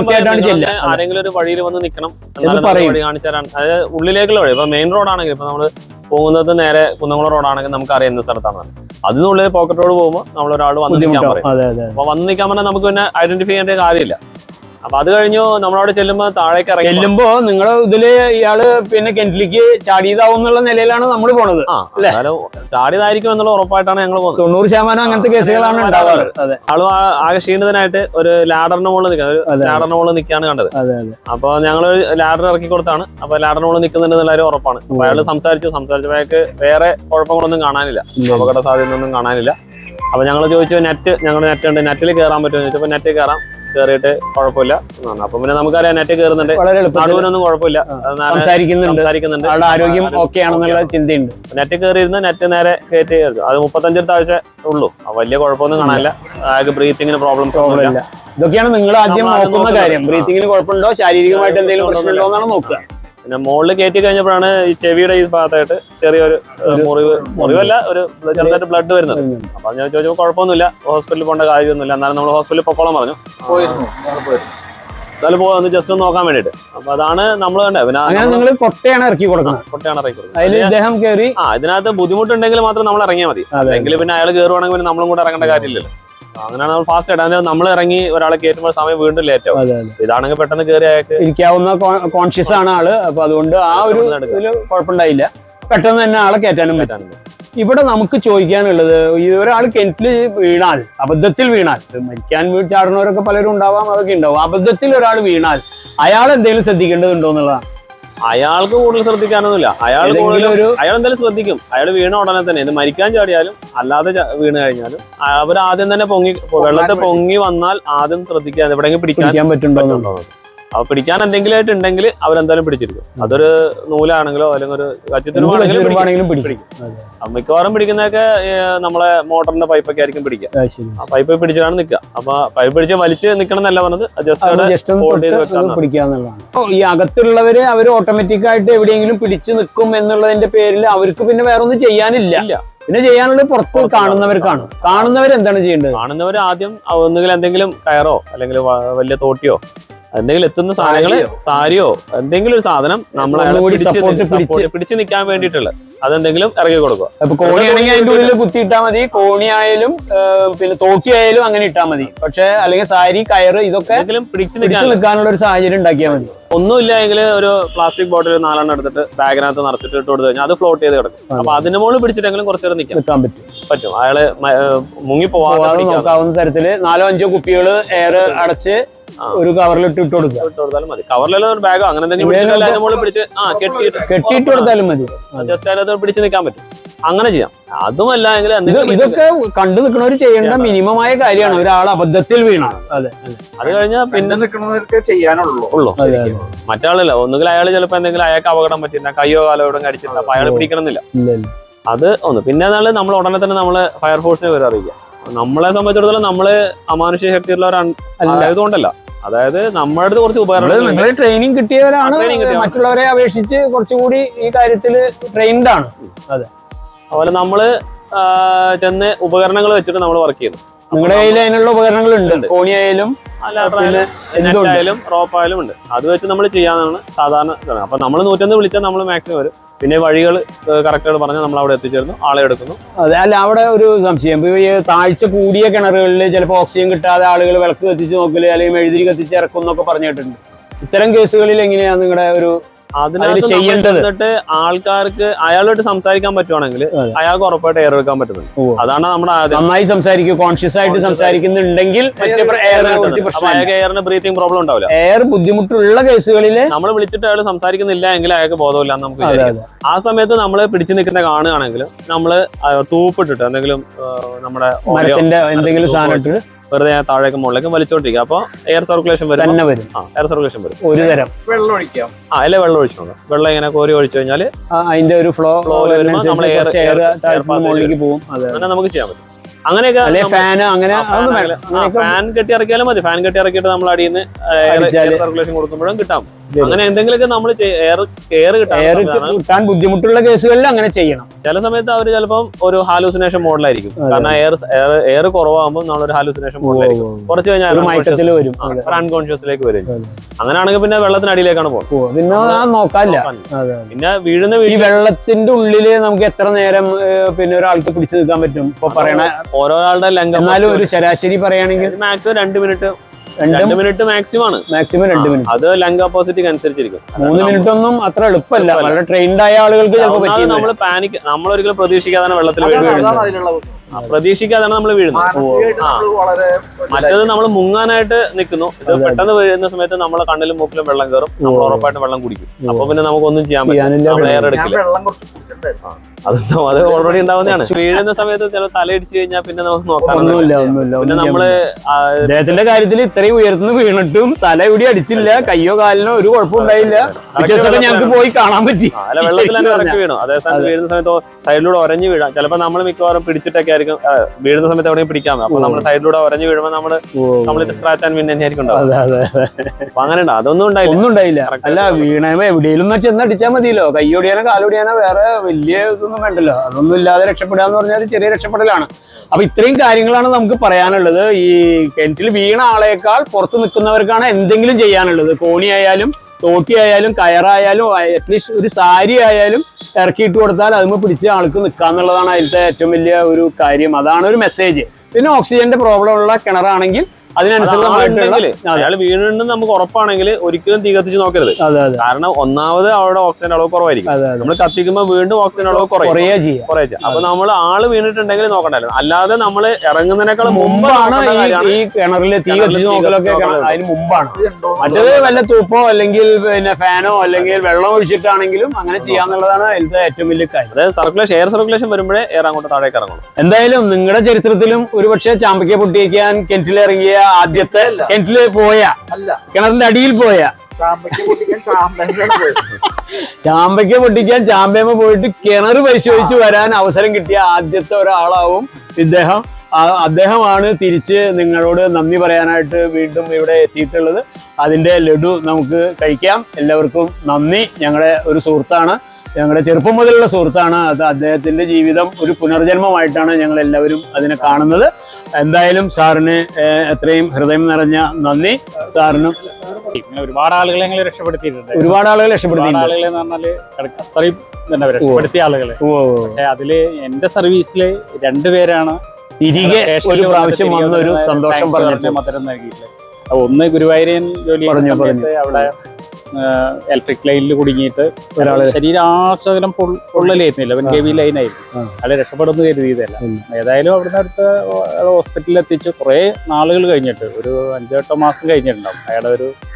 ആരെങ്കിലും ഒരു വഴിയിൽ വന്ന് നിൽക്കണം, വഴി കാണിച്ചു തരാൻ. അതായത് ഉള്ളിലേക്കുള്ള വഴി. ഇപ്പൊ മെയിൻ റോഡാണെങ്കിൽ ഇപ്പൊ നമ്മള് പോകുന്നത് നേരെ കുന്നംകുളം റോഡാണെങ്കിൽ നമുക്ക് അറിയാം എന്ന സ്ഥലത്താണ്. അതിനുള്ളിൽ പോക്കറ്റ് റോഡ് പോകുമ്പോൾ നമ്മളൊരാൾ വന്ന് നിൽക്കാൻ പറയും. അപ്പൊ വന്ന് നിൽക്കാൻ പറഞ്ഞാൽ നമുക്ക് പിന്നെ ഐഡന്റിഫൈ ചെയ്യേണ്ട കാര്യമില്ല. അപ്പൊ അത് കഴിഞ്ഞു നമ്മളവിടെ ചെല്ലുമ്പോ താഴേക്ക് ഇറങ്ങി ചെല്ലുമ്പോ നിങ്ങൾ ഇതില് ഇയാള് പിന്നെ കിണറ്റിലേക്ക് ചാടിയതാവും എന്നുള്ള നിലയിലാണ് നമ്മൾ പോണത്. ചാടിയതായിരിക്കും എന്നുള്ള ഉറപ്പായിട്ടാണ് ഞങ്ങൾ പോകുന്നത്. തൊണ്ണൂറ് ശതമാനം അങ്ങനത്തെ കേസുകളാണ് ഉണ്ടാവാറ്. ആള് ആകെ ക്ഷീണിതനായിട്ട് ഒരു ലാഡറിന്റെ മുകളിൽ നിൽക്കുന്നത് ലാഡറിന്റെ മുകളിൽ നിൽക്കാണ് കണ്ടത്. അപ്പൊ ഞങ്ങൾ ലാഡർ ഇറക്കി കൊടുത്താണ്. അപ്പൊ ലാഡറിന്റെ മുകളിൽ നിൽക്കുന്നുണ്ടെന്നുള്ള കാര്യം ഉറപ്പാണ്. അപ്പൊ അയാൾ സംസാരിച്ചു സംസാരിച്ചപ്പോ അയാൾക്ക് വേറെ കുഴപ്പങ്ങളൊന്നും കാണാനില്ല, അപകട സാധ്യത ഒന്നും കാണാനില്ല. അപ്പൊ ഞങ്ങൾ ചോദിച്ചു നെറ്റ് ഞങ്ങളുടെ നെറ്റ് ഉണ്ട്, നെറ്റിൽ കയറാൻ പറ്റുമോ ചോദിച്ചപ്പോ നെറ്റ് കയറാം, കയറിയിട്ട് കുഴപ്പമില്ല. അപ്പൊ പിന്നെ നമുക്കറിയാം നെറ്റ് കയറുന്നുണ്ട്, നടുവിനൊന്നും കുഴപ്പമില്ല, സംസാരിക്കുന്നുണ്ട്, ആരോഗ്യം ഓക്കെ ആണെന്നുള്ള ചിന്തയുണ്ട്. നെറ്റ് കയറിയിരുന്ന് നെറ്റ് നേരെ കയറ്റി അത് മുപ്പത്തഞ്ച് താഴ്ച ഉള്ളൂ. വലിയ കുഴപ്പമൊന്നും കാണാനില്ല. അയാൾക്ക് ബ്രീത്തിങ്ങിന് പ്രോബ്ലംസ് ഒന്നുമില്ല. ഇതൊക്കെയാണ് നിങ്ങൾ ആദ്യം നോക്കുന്ന കാര്യം. ബ്രീത്തിങ്ങിന് കുഴപ്പമുണ്ടോ, ശാരീരികമായിട്ട് എന്തെങ്കിലും പ്രശ്നമുണ്ടോ എന്നാണ് നോക്കുക. പിന്നെ മുകളിൽ കയറ്റി കഴിഞ്ഞപ്പോഴാണ് ഈ ചെവിയുടെ ഈ ഭാഗത്തായിട്ട് ചെറിയൊരു മുറിവ്, മുറിവല്ല ഒരു ചെറുതായിട്ട് ബ്ലഡ് വരുന്നത്. അപ്പൊ ഞാൻ ചോദിച്ചപ്പോൾ കുഴപ്പമൊന്നുമില്ല, ഹോസ്പിറ്റലിൽ പോകേണ്ട കാര്യമൊന്നുമില്ല. എന്നാലും നമ്മൾ ഹോസ്പിറ്റലിൽ പൊക്കോളം പറഞ്ഞു. എന്നാലും പോയി ജസ്റ്റ് ഒന്ന് നോക്കാൻ വേണ്ടിട്ട്. അപ്പൊ അതാണ് നമ്മൾ കണ്ടത്. പിന്നെ കൊട്ടയാണ് ഇറക്കി കൊടുക്കുന്നത്. കൊട്ടയാണ് ഇറക്കി കൊടുക്കുന്നത്. ആ ഇതിനകത്ത് ബുദ്ധിമുട്ടുണ്ടെങ്കിൽ മാത്രം നമ്മൾ ഇറങ്ങിയാൽ മതി. അല്ലെങ്കിൽ പിന്നെ അയാൾ കയറുവാണെങ്കിൽ പിന്നെ നമ്മളും കൂടെ ഇറങ്ങേണ്ട കാര്യമില്ലല്ലോ. അങ്ങനെയാണ് നമ്മൾ ഫാസ്റ്റ് ആയിട്ട്. അതിന് നമ്മൾ ഇറങ്ങി ഒരാളെ കയറ്റുമ്പോൾ സമയം വീണ്ടും ലേറ്റ് ആവും. ഇതാണെങ്കിൽ പെട്ടെന്ന് കയറി അയാൾക്ക് ഇരിക്കാവുന്ന കോൺഷ്യസ് ആണ് ആള്. അപ്പൊ അതുകൊണ്ട് ആ ഒരു ഇതില് കുഴപ്പമുണ്ടായില്ല. പെട്ടെന്ന് തന്നെ ആളെ കയറ്റാനും പറ്റാനും. ഇവിടെ നമുക്ക് ചോദിക്കാനുള്ളത്, ഈ ഒരാൾ കിണറ്റിൽ വീണാൽ, അബദ്ധത്തിൽ വീണാൽ, മരിക്കാൻ വീട് ചാടുന്നവരൊക്കെ പലരും ഉണ്ടാവാം, അതൊക്കെ ഉണ്ടാവും. അബദ്ധത്തിൽ ഒരാൾ വീണാൽ അയാൾ എന്തെങ്കിലും ശ്രദ്ധിക്കേണ്ടതുണ്ടോ എന്നുള്ളതാണ്. അയാൾക്ക് കൂടുതൽ ശ്രദ്ധിക്കാനൊന്നുമില്ല. അയാൾ ഒരു അയാൾ എന്തായാലും ശ്രദ്ധിക്കും. അയാൾ വീണ ഉടനെ തന്നെ, ഇത് മരിക്കാൻ ചാടിയാലും അല്ലാതെ വീണ് കഴിഞ്ഞാലും അവർ ആദ്യം തന്നെ പൊങ്ങി വെള്ളത്തിൽ പൊങ്ങി വന്നാൽ ആദ്യം ശ്രദ്ധിക്കാൻ എവിടെയെങ്കിലും പിടിക്കാൻ പറ്റുന്നുണ്ടോ. അപ്പൊ പിടിക്കാൻ എന്തെങ്കിലും ആയിട്ട് ഉണ്ടെങ്കിൽ അവരെന്തായാലും പിടിച്ചിരിക്കും. അതൊരു നൂലാണെങ്കിലോ അല്ലെങ്കിൽ ഒരു കച്ചിത്തുരുവാണെങ്കിലും പിടിക്കും. മിക്കവാറും പിടിക്കുന്നതൊക്കെ നമ്മളെ മോട്ടറിന്റെ പൈപ്പൊക്കെ ആയിരിക്കും പിടിക്കുക. ആ പൈപ്പ് പിടിച്ചിട്ടാണ് നിൽക്കുക. അപ്പൊ പൈപ്പ് പിടിച്ച് വലിച്ച് നിൽക്കണം എന്നല്ല പറഞ്ഞത്, പിടിക്കാന്നുള്ളതാണ്. ഈ അകത്തുള്ളവര് അവര് ഓട്ടോമാറ്റിക് ആയിട്ട് എവിടെയെങ്കിലും പിടിച്ചു നിൽക്കും എന്നുള്ളതിന്റെ പേരിൽ അവർക്ക് പിന്നെ വേറെ ഒന്നും ചെയ്യാനില്ല. പിന്നെ ചെയ്യാനുള്ളത് പുറത്ത് കാണുന്നവർക്കാണ്. കാണുന്നവർ എന്താണ് ചെയ്യേണ്ടത്? കാണുന്നവർ ആദ്യം ഒന്നുകിൽ എന്തെങ്കിലും കയറോ അല്ലെങ്കിൽ വലിയ തോട്ടിയോ എന്തെങ്കിലും എത്തുന്ന സാധനങ്ങള്, സാരിയോ എന്തെങ്കിലും ഒരു സാധനം നമ്മളെ പിടിച്ചു നിൽക്കാൻ വേണ്ടിയിട്ടുള്ള അതെന്തെങ്കിലും ഇറക്കി കൊടുക്കുക. അപ്പൊ കോണിയാണെങ്കിൽ അതിന്റെ ഉള്ളിൽ കുത്തിയിട്ടാൽ മതി. കോണിയായാലും പിന്നെ തോക്കിയായാലും അങ്ങനെ ഇട്ടാൽ മതി. പക്ഷെ അല്ലെങ്കിൽ സാരി, കയറ് ഇതൊക്കെ പിടിച്ചു നിൽക്കാനുള്ള ഒരു സാഹചര്യം ഉണ്ടാക്കിയാൽ മതി. ഒന്നുമില്ല എങ്കിൽ ഒരു പ്ലാസ്റ്റിക് ബോട്ടിൽ നാലെണ്ണം എടുത്തിട്ട് ബാഗിനകത്ത് നിറച്ചിട്ട് ഇട്ട് കൊടുത്തു കഴിഞ്ഞാൽ അത് ഫ്ലോട്ട് ചെയ്ത് കിടക്കും. അപ്പൊ അതിന് മുകളിൽ പിടിച്ചിട്ടെങ്കിലും കുറച്ചു നേരം നിൽക്കാൻ പറ്റും പറ്റും അയാള് മുങ്ങി പോവാതെ നോക്കാവുന്ന തരത്തില് നാലോ അഞ്ചോ കുപ്പികള് എയർ അടച്ച് ഒരു കവറിലിട്ട് ഇട്ട് കൊടുക്കുക. ഇട്ട് കൊടുത്താലും മതി. കവറിലുള്ള ഒരു ബാഗോ അങ്ങനെ എന്തെങ്കിലും പിടിച്ച് കെട്ടിയിട്ട് കൊടുത്താലും മതി. ജസ്റ്റ് അതിനകത്ത് പിടിച്ച് നിൽക്കാൻ പറ്റും. അങ്ങനെ ചെയ്യാം. അതുമല്ല എങ്കിൽ ഇതൊക്കെ കണ്ടു നിൽക്കുന്നവർ ചെയ്യേണ്ട മിനിമമായ കാര്യമാണ്. ഒരാൾ അബദ്ധത്തിൽ വീണ അതെ അത് കഴിഞ്ഞാൽ പിന്നെ നിൽക്കുന്നവർക്ക് ചെയ്യാനുള്ളൂ ഉള്ളൂ. മറ്റാളില്ല, ഒന്നുകിൽ അയാൾ ചിലപ്പോൾ എന്തെങ്കിലും അയാൾക്ക് അപകടം പറ്റില്ല, കയ്യോ കാലോ ഇവിടെ കടിച്ചില്ല, അപ്പൊ അയാൾ പിടിക്കണമെന്നില്ല. അത് ഒന്ന്. പിന്നെ എന്നാല് നമ്മൾ ഉടനെ തന്നെ നമ്മള് ഫയർഫോഴ്സിനെ വരെ അറിയിക്കാം. നമ്മളെ സംബന്ധിച്ചിടത്തോളം നമ്മള് അമാനുഷിക ശക്തിയുള്ളവരായതുകൊണ്ടല്ല, അതായത് നമ്മുടെ അടുത്ത് കുറച്ച് ഉപകരണങ്ങൾ ട്രെയിനിങ് കിട്ടിയവരാണ്, മറ്റുള്ളവരെ അപേക്ഷിച്ച് കുറച്ചുകൂടി ഈ കാര്യത്തിൽ ട്രെയിൻഡ് ആണ്. അതെ, അതുപോലെ നമ്മള് ചെന്ന് ഉപകരണങ്ങൾ വെച്ചിട്ട് നമ്മൾ വർക്ക് ചെയ്യുന്നു. നിങ്ങളുടെ കയ്യിൽ അതിനുള്ള ഉപകരണങ്ങൾ ഉണ്ട്, കോണിയായാലും നെറ്റായാലും റോപ്പായാലും ഉണ്ട്. അത് വെച്ച് നമ്മൾ ചെയ്യാനാണ് സാധാരണ. അപ്പൊ നമ്മൾ നൂറ്റൊന്ന് വിളിച്ചാൽ നമ്മൾ മാക്സിമം വരും. പിന്നെ വഴികൾ കറക്റ്റായിട്ട് പറഞ്ഞാൽ നമ്മൾ അവിടെ എത്തിച്ചേർന്നു, ആളെ എടുക്കുന്നു. അതെ, അല്ല അവിടെ ഒരു സംശയം, ഈ താഴ്ച കൂടിയ കിണറുകളിൽ ചിലപ്പോൾ ഓക്സിജൻ കിട്ടാതെ ആളുകൾ വിളക്ക് കത്തിച്ച് നോക്കല് അല്ലെങ്കിൽ മെഴുതിരി കത്തിച്ച് ഇറക്കും എന്നൊക്കെ പറഞ്ഞു കേട്ടിട്ടുണ്ട്. ഇത്തരം കേസുകളിൽ എങ്ങനെയാണ് നിങ്ങളുടെ ഒരു അതിനകത്ത് എന്നിട്ട് ആൾക്കാർക്ക് അയാളോട്ട് സംസാരിക്കാൻ പറ്റുവാണെങ്കിൽ അയാൾക്ക് ഉറപ്പായിട്ട് എയർ എടുക്കാൻ പറ്റുന്നുണ്ട്. അതാണ് നമ്മുടെ നന്നായി സംസാരിക്കും, കോൺഷ്യസ് ആയിട്ട് സംസാരിക്കുന്നുണ്ടെങ്കിൽ അയാൾക്ക് എയറിന് ബ്രീത്തിങ് പ്രോബ്ലം ഉണ്ടാവില്ല. എയർ ബുദ്ധിമുട്ടുള്ള കേസുകളിൽ നമ്മൾ വിളിച്ചിട്ട് അയാൾ സംസാരിക്കുന്നില്ല എങ്കിൽ അയാൾക്ക് ബോധമില്ല എന്ന് നമുക്ക് വിചാരിക്കാം. ആ സമയത്ത് നമ്മൾ പിടിച്ചു നിൽക്കുന്ന കാണുകയാണെങ്കിൽ നമ്മള് തൂപ്പിട്ടിട്ട് എന്തെങ്കിലും നമ്മുടെ എന്തെങ്കിലും സാധനം വെറുതെ താഴേക്ക് മുകളിലേക്ക് വലിച്ചോണ്ടിരിക്കുക. അപ്പൊ എയർ സർക്കുലേഷൻ വരും. എയർ സർക്കുലേഷൻ വരും. ഒരു തരം വെള്ളം ഒഴിക്കാം. ആ അല്ലെ വെള്ളം ഒഴിച്ചോണ്ട് വെള്ളം ഇങ്ങനെ കോരി ഒഴിച്ചു കഴിഞ്ഞാൽ അതിന്റെ ഒരു ഫ്ലോ നമ്മൾ എയർ പോകും. അങ്ങനെ നമുക്ക് ചെയ്യാൻ പറ്റും. അങ്ങനെയൊക്കെ ഫാൻ അങ്ങനെ ഫാൻ കെട്ടി ഇറക്കിയാലും മതി. ഫാൻ കെട്ടി ഇറക്കിയിട്ട് നമ്മൾ അടിയിൽ നിന്ന് എയർ സർക്കുലേഷൻ കൊടുക്കുമ്പോഴും കിട്ടാം. അങ്ങനെ എന്തെങ്കിലുമൊക്കെ നമ്മൾ എയർ എയർ കിട്ടാൻ ബുദ്ധിമുട്ടുള്ള കേസുകളിൽ അങ്ങനെ ചെയ്യണം. ചില സമയത്ത് അവർ ചിലപ്പം ഒരു ഹാലൂസിനേഷൻ മോഡലായിരിക്കും. കാരണം എയർ എയർ കുറവാകുമ്പോൾ നമ്മളൊരു ഹാലൂസിനേഷൻ മോഡലായിരിക്കും. കുറച്ച് കഴിഞ്ഞാൽ അൺകോൺഷ്യസിലേക്ക് വരും. അങ്ങനെയാണെങ്കിൽ പിന്നെ വെള്ളത്തിനടിയിലേക്കാണ് പോകുന്നത്. പിന്നെ നോക്കാനില്ല. പിന്നെ വീഴുന്ന ഈ വെള്ളത്തിന്റെ ഉള്ളില് നമുക്ക് എത്ര നേരം പിന്നെ ഒരാൾക്ക് പിടിച്ചു നിൽക്കാൻ പറ്റും? ഇപ്പൊ പറയണ ഓരോരാളുടെ ലംഘനം. എന്നാലും ഒരു ശരാശരി പറയുകയാണെങ്കിൽ മാക്സിമം രണ്ട് മിനിറ്റ് രണ്ട് മിനിറ്റ് മാക്സിമം ആണ്. മാക്സിമം രണ്ട് മിനിറ്റ്. അത് ലംഘ അപ്പോസിറ്റിക്ക് അനുസരിച്ചിരിക്കും. മൂന്ന് മിനിറ്റ് ഒന്നും അത്ര എളുപ്പമല്ല. വളരെ ട്രെയിൻഡ് ആയ ആളുകൾക്ക് നമ്മൾ പാനിക് നമ്മൾ ഒരിക്കലും പ്രതീക്ഷിക്കാതാണ് വെള്ളത്തിൽ വീഴുന്നത്. പ്രതീക്ഷിക്കാതാണ് നമ്മൾ വീഴുന്നത്. മറ്റേത് നമ്മൾ മുങ്ങാനായിട്ട് നിൽക്കുന്നു. ഇത് പെട്ടെന്ന് വീഴുന്ന സമയത്ത് നമ്മളെ കണ്ണിലും മൂക്കിലും വെള്ളം കയറും. നമ്മൾ ഉറപ്പായിട്ട് വെള്ളം കുടിക്കും. അപ്പൊ പിന്നെ നമുക്കൊന്നും ചെയ്യാൻ പറ്റില്ല. എയർ എടുക്കില്ല. അത് അത് ഓൾറെഡി ഉണ്ടാവുന്നതാണ്. വീഴുന്ന സമയത്ത് ചില തലയിടിച്ചു കഴിഞ്ഞാൽ പിന്നെ നമുക്ക് നോക്കാനൊന്നുമില്ല. പിന്നെ നമ്മള് അദ്ദേഹത്തിന്റെ കാര്യത്തിൽ ഇത്രയും ഉയർത്തുന്ന വീണിട്ടും തല ഇവിടെ അടിച്ചില്ല, കയ്യോ കാലിനോ ഒരു കുഴപ്പമുണ്ടായില്ല. ഞങ്ങൾക്ക് പോയി കാണാൻ പറ്റി. അല്ല, വെള്ളത്തിൽ തന്നെ ഇറക്കി വീണു. അതേസമയത്ത് വീഴുന്ന സമയത്ത് സൈഡിലൂടെ ഒരഞ്ഞു വീഴാം. ചിലപ്പോൾ നമ്മൾ മിക്കവാറും പിടിച്ചിട്ടൊക്കെ ആയിരിക്കും വീഴുന്ന സമയത്ത് എവിടെയും പിടിക്കാം. അപ്പൊ നമ്മൾ സൈഡിലൂടെ ഒരഞ്ഞു വീഴുമ്പോൾ നമ്മള് കംപ്ലീറ്റ് സ്ക്രാച്ച് ആൻഡ് വിൻ തന്നെയായിരിക്കും ഉണ്ടാവും. അപ്പൊ അങ്ങനെ ഉണ്ട്. അതൊന്നും ഉണ്ടായില്ല. ഒന്നും ഉണ്ടായില്ല. അല്ല, വീണ എവിടെയെങ്കിലും ചെന്നടിച്ചാൽ മതിയല്ലോ. കയ്യോടിയാനോ കാലോടിയാനോ വേറെ വലിയ ഇതൊന്നും വേണ്ടല്ലോ. അതൊന്നും ഇല്ലാതെ രക്ഷപ്പെടുക എന്ന് പറഞ്ഞാൽ ചെറിയ രക്ഷപ്പെടലാണ്. അപ്പൊ ഇത്രയും കാര്യങ്ങളാണ് നമുക്ക് പറയാനുള്ളത്. ഈ കിണറ്റിൽ വീണ ആളേക്കാൾ പുറത്ത് നിൽക്കുന്നവർക്കാണ് എന്തെങ്കിലും ചെയ്യാനുള്ളത്. കോണിയായാലും തോട്ടിയായാലും കയറായാലും അറ്റ്ലീസ്റ്റ് ഒരു സാരി ആയാലും ഇറക്കിയിട്ട് കൊടുത്താൽ അതിന് പിടിച്ച ആൾക്ക് നിൽക്കാന്നുള്ളതാണ് അതിലത്തെ ഏറ്റവും വലിയ ഒരു കാര്യം. അതാണ് ഒരു മെസ്സേജ്. പിന്നെ ഓക്സിജന്റെ പ്രോബ്ലം ഉള്ള കിണറാണെങ്കിൽ അയാൾ വീണിട്ടുണ്ടെന്ന് നമുക്ക് ഉറപ്പാണെങ്കിൽ ഒരിക്കലും തീ കത്തിച്ച് നോക്കരുത്. കാരണം ഒന്നാമത് അവിടെ ഓക്സിജൻ അളവ് കുറവായിരിക്കും. നമ്മൾ കത്തിക്കുമ്പോൾ വീണ്ടും ഓക്സിജൻ അളവ് കുറയുക ചെയ്യാം. അപ്പൊ നമ്മൾ ആള് വീണിട്ടുണ്ടെങ്കിൽ നോക്കണ്ടല്ലോ. അല്ലാതെ നമ്മൾ ഇറങ്ങുന്നതിനേക്കാൾ മുമ്പാണ് ഈ കിണറിൽ തീ കത്തിച്ച് നോക്കലൊക്കെ. അതിന് മുമ്പാണ്. മറ്റേത് വല്ല തൂപ്പോ അല്ലെങ്കിൽ പിന്നെ ഫാനോ അല്ലെങ്കിൽ വെള്ളം ഒഴിച്ചിട്ടാണെങ്കിലും അങ്ങനെ ചെയ്യാന്നുള്ളതാണ് അതിലത്തെ ഏറ്റവും വലിയ കാര്യം. അതായത് സർക്കുലേഷൻ എയർ സർക്കുലേഷൻ വരുമ്പോഴേ എയർ അങ്ങോട്ട് താഴേക്ക് ഇറങ്ങണം. എന്തായാലും നിങ്ങളുടെ ചരിത്രത്തിലും ഒരുപക്ഷെ ചാമ്പയ്ക്ക പൊട്ടിക്കാൻ കിണറ്റിലിറങ്ങിയ ആദ്യത്തെ കിണറ്റില് പോയ കിണറിന്റെ അടിയിൽ പോയ ചാമ്പയ്ക്ക പൊട്ടിക്കാൻ ചാമ്പയമ്മ പോയിട്ട് കിണർ പരിശോധിച്ച് വരാൻ അവസരം കിട്ടിയ ആദ്യത്തെ ഒരാളാവും ഇദ്ദേഹം. അദ്ദേഹമാണ് തിരിച്ച് നിങ്ങളോട് നന്ദി പറയാനായിട്ട് വീണ്ടും ഇവിടെ എത്തിയിട്ടുള്ളത്. അതിന്റെ ലഡു നമുക്ക് കഴിക്കാം. എല്ലാവർക്കും നന്ദി. ഞങ്ങളുടെ ഒരു സുഹൃത്താണ്, ഞങ്ങളുടെ ചെറുപ്പം മുതലുള്ള സുഹൃത്താണ്. അത് അദ്ദേഹത്തിന്റെ ജീവിതം ഒരു പുനർജന്മമായിട്ടാണ് ഞങ്ങൾ എല്ലാവരും അതിനെ കാണുന്നത്. എന്തായാലും സാറിന് എത്രയും ഹൃദയം നിറഞ്ഞ നന്ദി. സാറിനും ഒരുപാട് ആളുകളെ ഞങ്ങൾ രക്ഷപ്പെടുത്തിയിട്ടുണ്ട്. ഒരുപാട് ആളുകൾ രക്ഷപ്പെടുത്തിയിട്ടുണ്ട്. ആളുകളെ എന്ന് പറഞ്ഞാല് അത്രയും രക്ഷപ്പെടുത്തിയ ആളുകളെ. പക്ഷെ അതില് എന്റെ സർവീസില് രണ്ടുപേരാണ് തിരികെ ഒരു പ്രാവശ്യം വന്ന ഒരു സന്തോഷം പറഞ്ഞിട്ട് മധുരം നൽകിയിട്ടില്ല. ഒന്ന് ഗുരുവായൂരൻ ജോലി സമയത്ത് അവിടെ ഇലക്ട്രിക് ലൈനിൽ കുടുങ്ങിയിട്ട് ഒരാള് ശരീരാശകലം പൊള്ളലായിരുന്നില്ല. അവൻ കെ വി ലൈനായിരുന്നു. അയാളെ രക്ഷപ്പെടുന്നു കരുതിയതല്ല. ഏതായാലും അവിടുന്ന് അടുത്ത് ഹോസ്പിറ്റലിൽ എത്തിച്ച് കുറെ നാളുകൾ കഴിഞ്ഞിട്ട് ഒരു അഞ്ചെട്ടോ മാസം കഴിഞ്ഞിട്ടുണ്ടാവും. അയാളുടെ ഒരു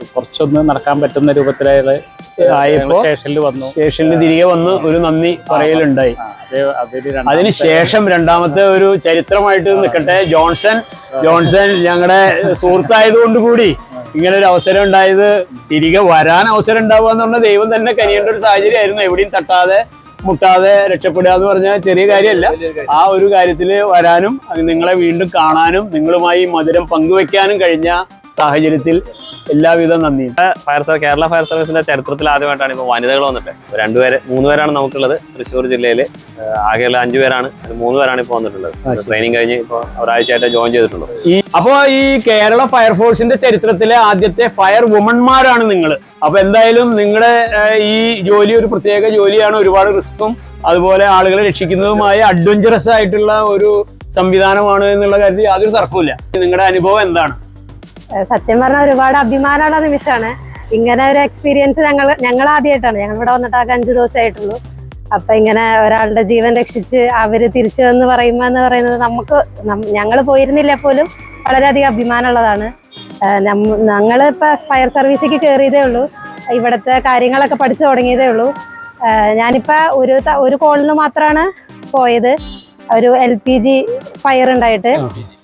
കുറച്ചൊന്ന് നടക്കാൻ പറ്റുന്ന രൂപത്തിലായ ആയപ്പോ സ്റ്റേഷനിൽ വന്നു. സ്റ്റേഷനിൽ തിരികെ വന്ന് ഒരു നന്ദി പറയലുണ്ടായി. ആ, അത് അതൊരു രണ്ടാമത്തെ- അതിനുശേഷം രണ്ടാമത്തെ ഒരു ചരിത്രമായിട്ട് നിൽക്കട്ടെ, ജോൺസൺ ജോൺസൺ ഞങ്ങളുടെ സുഹൃത്തായതുകൊണ്ട് കൂടി ഇങ്ങനെ ഒരു അവസരം ഉണ്ടായത്, തിരികെ വരാൻ അവസരം ഉണ്ടാവുക എന്ന് പറഞ്ഞാൽ ദൈവം തന്നെ കനിയേണ്ട ഒരു സാഹചര്യമായിരുന്നു. എവിടെയും തട്ടാതെ മുട്ടാതെ രക്ഷപ്പെടുക എന്ന് പറഞ്ഞാൽ ചെറിയ കാര്യമല്ല. ആ ഒരു കാര്യത്തിൽ വരാനും നിങ്ങളെ വീണ്ടും കാണാനും നിങ്ങളുമായി മധുരം പങ്കുവെക്കാനും കഴിഞ്ഞ സാഹചര്യത്തിൽ എല്ലാവിധ നന്ദിയും. ഫയർ സർവീസ് കേരള ഫയർ സർവീസിന്റെ ചരിത്രത്തിൽ ആദ്യമായിട്ടാണ് ഇപ്പോൾ വനിതകൾ വന്നിട്ട്. രണ്ടുപേര് മൂന്ന് പേരാണ് നമുക്കുള്ളത് തൃശ്ശൂർ ജില്ലയിൽ. ആകെയുള്ള അഞ്ചു പേരാണ്, മൂന്ന് പേരാണ് ഇപ്പോൾ വന്നിട്ടുള്ളത്. ട്രെയിനിങ് കഴിഞ്ഞ് ഇപ്പോൾ ഒരാഴ്ചയായിട്ട് ജോയിൻ ചെയ്തിട്ടുള്ളൂ. ഈ അപ്പോ ഈ കേരള ഫയർഫോഴ്സിന്റെ ചരിത്രത്തിലെ ആദ്യത്തെ ഫയർ വുമൺമാരാണ് നിങ്ങൾ. അപ്പൊ എന്തായാലും നിങ്ങളുടെ ഈ ജോലി ഒരു പ്രത്യേക ജോലിയാണ്. ഒരുപാട് റിസ്ക്കും അതുപോലെ ആളുകളെ രക്ഷിക്കുന്നതുമായ അഡ്വഞ്ചറസ് ആയിട്ടുള്ള ഒരു സംവിധാനമാണ് എന്നുള്ള കാര്യത്തിൽ യാതൊരു തർക്കമില്ല. നിങ്ങളുടെ അനുഭവം എന്താണ്? സത്യം പറഞ്ഞാൽ ഒരുപാട് അഭിമാനമുള്ള നിമിഷമാണ്. ഇങ്ങനെ ഒരു എക്സ്പീരിയൻസ് ഞങ്ങൾ ഞങ്ങൾ ആദ്യമായിട്ടാണ്. ഞങ്ങൾ ഇവിടെ വന്നിട്ട് ആകെ അഞ്ചു ദിവസമായിട്ടുള്ളൂ. അപ്പൊ ഇങ്ങനെ ഒരാളുടെ ജീവൻ രക്ഷിച്ച് അവര് തിരിച്ചു എന്ന് പറയുമ്പോ എന്ന് പറയുന്നത് നമുക്ക് ഞങ്ങൾ പോയിരുന്നില്ല പോലും വളരെയധികം അഭിമാനമുള്ളതാണ്. ഞങ്ങളിപ്പോ ഫയർ സർവീസിലേക്ക് കയറിയതേ ഉള്ളൂ. ഇവിടുത്തെ കാര്യങ്ങളൊക്കെ പഠിച്ചു തുടങ്ങിയതേ ഉള്ളൂ. ഞാനിപ്പോ ഒരു ഒരു കോളിന് മാത്രമാണ് പോയത്. ഒരു എൽ പി ജി ഫയർ ഉണ്ടായിട്ട്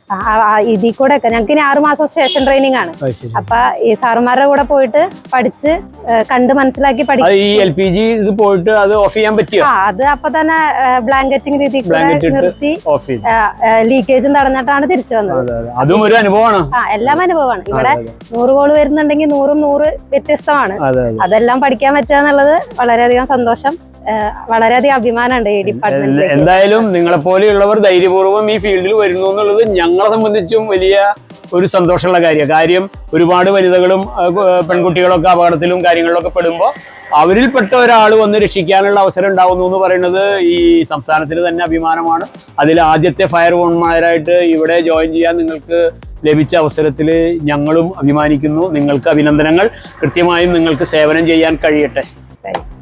ഇതിൽ കൂടെ ഒക്കെ ഞങ്ങൾക്ക് ഇനി ആറു മാസം സ്റ്റേഷൻ ട്രെയിനിങ് ആണ്. അപ്പൊ ഈ സാറുമാരുടെ കൂടെ പോയിട്ട് പഠിച്ച് കണ്ട് മനസ്സിലാക്കി പഠിക്കും. ഈ എൽ പി ജി ഇത് പോയിട്ട് അത് ഓഫ് ചെയ്യാൻ പറ്റിയോ? ആ, അത് അപ്പൊ തന്നെ ബ്ലാങ്കറ്റിംഗ് രീതി നിർത്തി ലീക്കേജും തടഞ്ഞിട്ടാണ് തിരിച്ചു വന്നത്. അതും ഒരു അനുഭവമാണ്. ആ, എല്ലാം അനുഭവമാണ്. ഇവിടെ നൂറ് കോള് വരുന്നുണ്ടെങ്കിൽ നൂറും നൂറ് വ്യത്യസ്തമാണ്. അതെല്ലാം പഠിക്കാൻ പറ്റുക എന്നുള്ളത് വളരെയധികം സന്തോഷം, വളരെയധികം അഭിമാനമുണ്ട് ഈ ഡിപ്പാർട്ട്മെന്റ്. എന്തായാലും നിങ്ങളെ പോലെയുള്ളവർ ധൈര്യപൂർവ്വം ഈ ഫീൽഡിൽ വരുന്നു എന്നുള്ളത് ഞങ്ങളെ സംബന്ധിച്ചും വലിയ ഒരു സന്തോഷമുള്ള കാര്യമാണ്. കാര്യം ഒരുപാട് വനിതകളും പെൺകുട്ടികളൊക്കെ അപകടത്തിലും കാര്യങ്ങളിലൊക്കെ പെടുമ്പോൾ അവരിൽപ്പെട്ട ഒരാൾ വന്ന് രക്ഷിക്കാനുള്ള അവസരം ഉണ്ടാവുന്നു എന്ന് പറയുന്നത് ഈ സംസ്ഥാനത്തിന് തന്നെ അഭിമാനമാണ്. അതിൽ ആദ്യത്തെ ഫയർ വുമൺമാരായിട്ട് ഇവിടെ ജോയിൻ ചെയ്യാൻ നിങ്ങൾക്ക് ലഭിച്ച അവസരത്തിൽ ഞങ്ങളും അഭിമാനിക്കുന്നു. നിങ്ങൾക്ക് അഭിനന്ദനങ്ങൾ. കൃത്യമായും നിങ്ങൾക്ക് സേവനം ചെയ്യാൻ കഴിയട്ടെ.